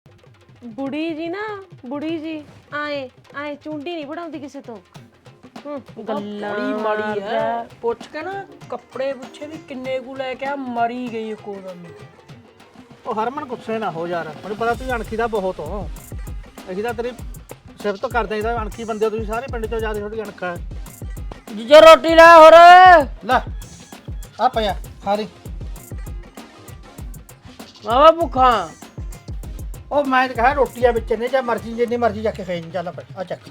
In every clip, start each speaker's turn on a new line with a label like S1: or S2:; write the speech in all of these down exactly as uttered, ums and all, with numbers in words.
S1: बुढ़ी जी ना बुढ़ी जी आए आए चुंडी नहीं बढ़ाती किसी तो
S2: ਬੜੀ ਮਾੜੀ ਹੈ ਪੁੱਛ ਕੇ ਨਾ ਕੱਪੜੇ ਪੁੱਛੇ ਵੀ ਕਿੰਨੇ ਕੁ ਲੈ ਕੇ ਆ ਮਰੀ ਗਈ ਇੱਕੋਦਮ ਹੀ।
S3: ਉਹ ਹਰਮਨ ਗੁੱਸੇ ਨਾ ਹੋ ਯਾਰ, ਮੈਨੂੰ ਪਤਾ ਤੂੰ ਅਣਖੀ ਦਾ ਬਹੁਤ ਹੋ। ਅਸੀਂ ਤਾਂ ਤੇਰੀ ਸਿਫਤ ਕਰਦੇ ਆਂ, ਇਹਦਾ ਅਣਖੀ ਬੰਦੇ ਹੋ ਤੁਸੀਂ ਸਾਰੇ ਪਿੰਡ ਚੋਂ ਜ਼ਿਆਦਾ ਥੋੜੀ ਅਣਖਾ ਹੈ।
S2: ਜੀਜਾ ਰੋਟੀ ਲੈ ਹੋਰ
S3: ਲੈ ਆ ਪਿਆ ਸਾਰੀ।
S2: ਮਾਵਾ ਭੁੱਖਾ
S3: ਉਹ ਮੈਂ ਤਾਂ ਕਹਾਂ ਰੋਟੀਆਂ ਵਿੱਚ ਨੇ, ਜਾਂ ਮਰਜ਼ੀ ਜਿੰਨੀ ਮਰਜ਼ੀ ਜਾ ਕੇ ਖਾਈ ਚੱਲ ਪੈ ਆ ਚੱਕ।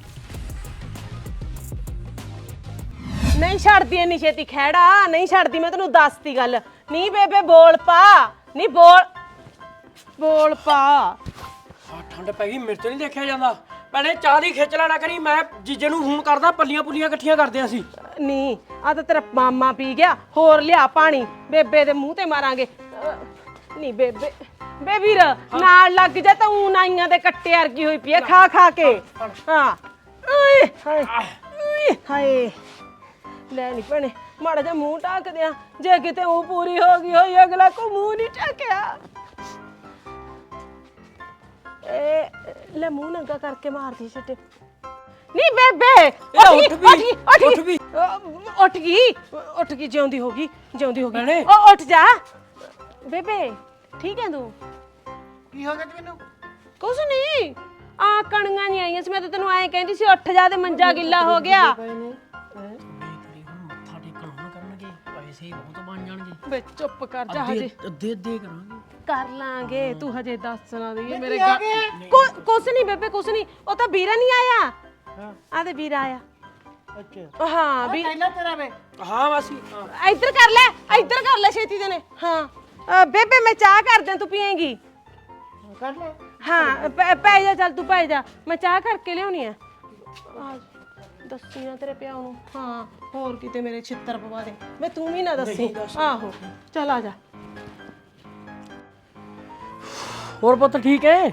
S1: नहीं छड़दी इन्नी छेती खैड़ा नहीं छड़दी मैं तेनू दसती गल नहीं बेबे बोल पा नहीं बोल बोल पा
S2: ਆ ਠੰਡ ਪੈ ਗਈ, ਮੇਰੇ ਤੋਂ ਨਹੀਂ ਦੇਖਿਆ ਜਾਂਦਾ। ਭੈਣੇ ਚਾਹ ਦੀ ਖਿੱਚ ਲੈਣਾ ਕਰੀ, ਮੈਂ ਜੀਜੇ ਨੂੰ ਫੋਨ ਕਰਦਾ, ਪੱਲੀਆਂ ਪੁੱਲੀਆਂ ਇਕੱਠੀਆਂ ਕਰਦੇ ਅਸੀਂ।
S1: नहीं आ तो तेरा मामा पी गया होर लिया पानी बेबे दे मुंह ते मारांगे नहीं बेबे बेबीर नाल लग जा तो ऊन आईयां दे कट्टे अर्गी होई पई खा खा के हां ओए हाय हाय ਲੈ ਨਹੀਂ ਭੈਣੇ ਮਾੜਾ ਜਿਹਾ ਮੂੰਹ ਢੱਕ ਦਿਆਂ ਜੇ ਕਿਤੇ ਉਹ ਪੂਰੀ ਹੋ ਗਈ ਹੋਈ ਅਗਲਾ ਕੋ ਮੂੰਹ ਨਹੀਂ ਢੱਕਿਆ ਏ ਲੈ ਮੂੰਹ ਨੰਗਾ ਕਰਕੇ ਮਾਰਦੀ ਛੱਟੇ ਨਹੀਂ ਬੇਬੇ
S2: ਉੱਠ ਵੀ ਉੱਠ ਵੀ
S1: ਉੱਠ ਗਈ ਉੱਠ ਗਈ ਜਿਉਂਦੀ ਹੋ ਗਈ ਜਿਉਂਦੀ ਹੋ ਗਈ
S2: ਭੈਣੇ।
S1: ਉਹ ਉੱਠ ਜਾ ਬੇਬੇ ਠੀਕ ਹੈ ਤੂੰ
S3: ਕੀ ਹੋ ਗਿਆ ਤੈਨੂੰ?
S1: ਕੁਛ ਨਹੀਂ ਆ ਕਣੀਆਂ ਨਹੀਂ ਆਈਆਂ ਸੀ ਮੈਂ ਤਾਂ ਤੈਨੂੰ ਐਂ ਕਹਿੰਦੀ ਸੀ ਉੱਠ ਜਾ ਤੇ ਮੰਜਾ ਗਿੱਲਾ ਹੋ ਗਿਆ
S2: ਮੱਥਾ ਟੇਕਣ ਹੁਣ ਕਰਨਗੇ, ਪੈਸੇ ਬਹੁਤ ਬਣ ਜਾਣਗੇ।
S1: ਵੇ ਚੁੱਪ ਕਰ ਜਾ ਹਜੇ
S2: ਅੱਧੇ ਅੱਧੇ ਕਰਾਂਗੇ।
S1: ਕਰ ਲਾਂਗੇ ਤੂੰ ਹਜੇ ਦੱਸ ਨਾ ਦੇ ਮੇਰੇ ਕੁਛ ਨਹੀਂ ਬੇਬੇ ਕੁਛ ਨਹੀਂ ਉਹ ਤਾਂ ਵੀਰਾ ਨਹੀਂ ਆਇਆ
S3: ਹਾਂ
S1: ਆ ਤੇ ਵੀਰਾ ਆਇਆ
S3: ਅੱਛਾ
S1: ਹਾਂ ਵੀ
S3: ਪਹਿਲਾਂ ਤੇਰਾ ਵੇ
S2: ਹਾਂ ਮਾਸੀ ਹਾਂ।
S1: ਇੱਧਰ ਕਰ ਲੈ ਇੱਧਰ ਕਰ ਲੈ ਛੇਤੀ ਦੇ ਨੇ ਹਾਂ ਅ, ਬੇਬੇ ਮੈਂ ਚਾਹ ਕਰ ਦਿਆਂ ਤੂੰ ਪੀਏਂਗੀ
S3: ਕਰ ਲੈ।
S1: ਹਾਂ ਪੈ ਪੈ ਜਾ ਚੱਲ ਤੂੰ ਪੈ ਜਾ ਮੈਂ ਚਾਹ ਕਰਕੇ ਲਿਆਉਣੀ ਆ ਆ ਦੱਸੀ ਨਾ ਤੇਰੇ ਪਿਓ ਨੂੰ ਹਾਂ ਹੋਰ ਕਿਤੇ ਮੇਰੇ ਛਿੱਤਰ ਪਵਾ ਦੇ ਵੇ ਤੂੰ ਵੀ ਨਾ ਦੱਸੀ ਆਹੋ ਚੱਲ ਆ ਜਾ
S2: ਹੋਰ ਪੁੱਤ ਠੀਕ ਹੈ?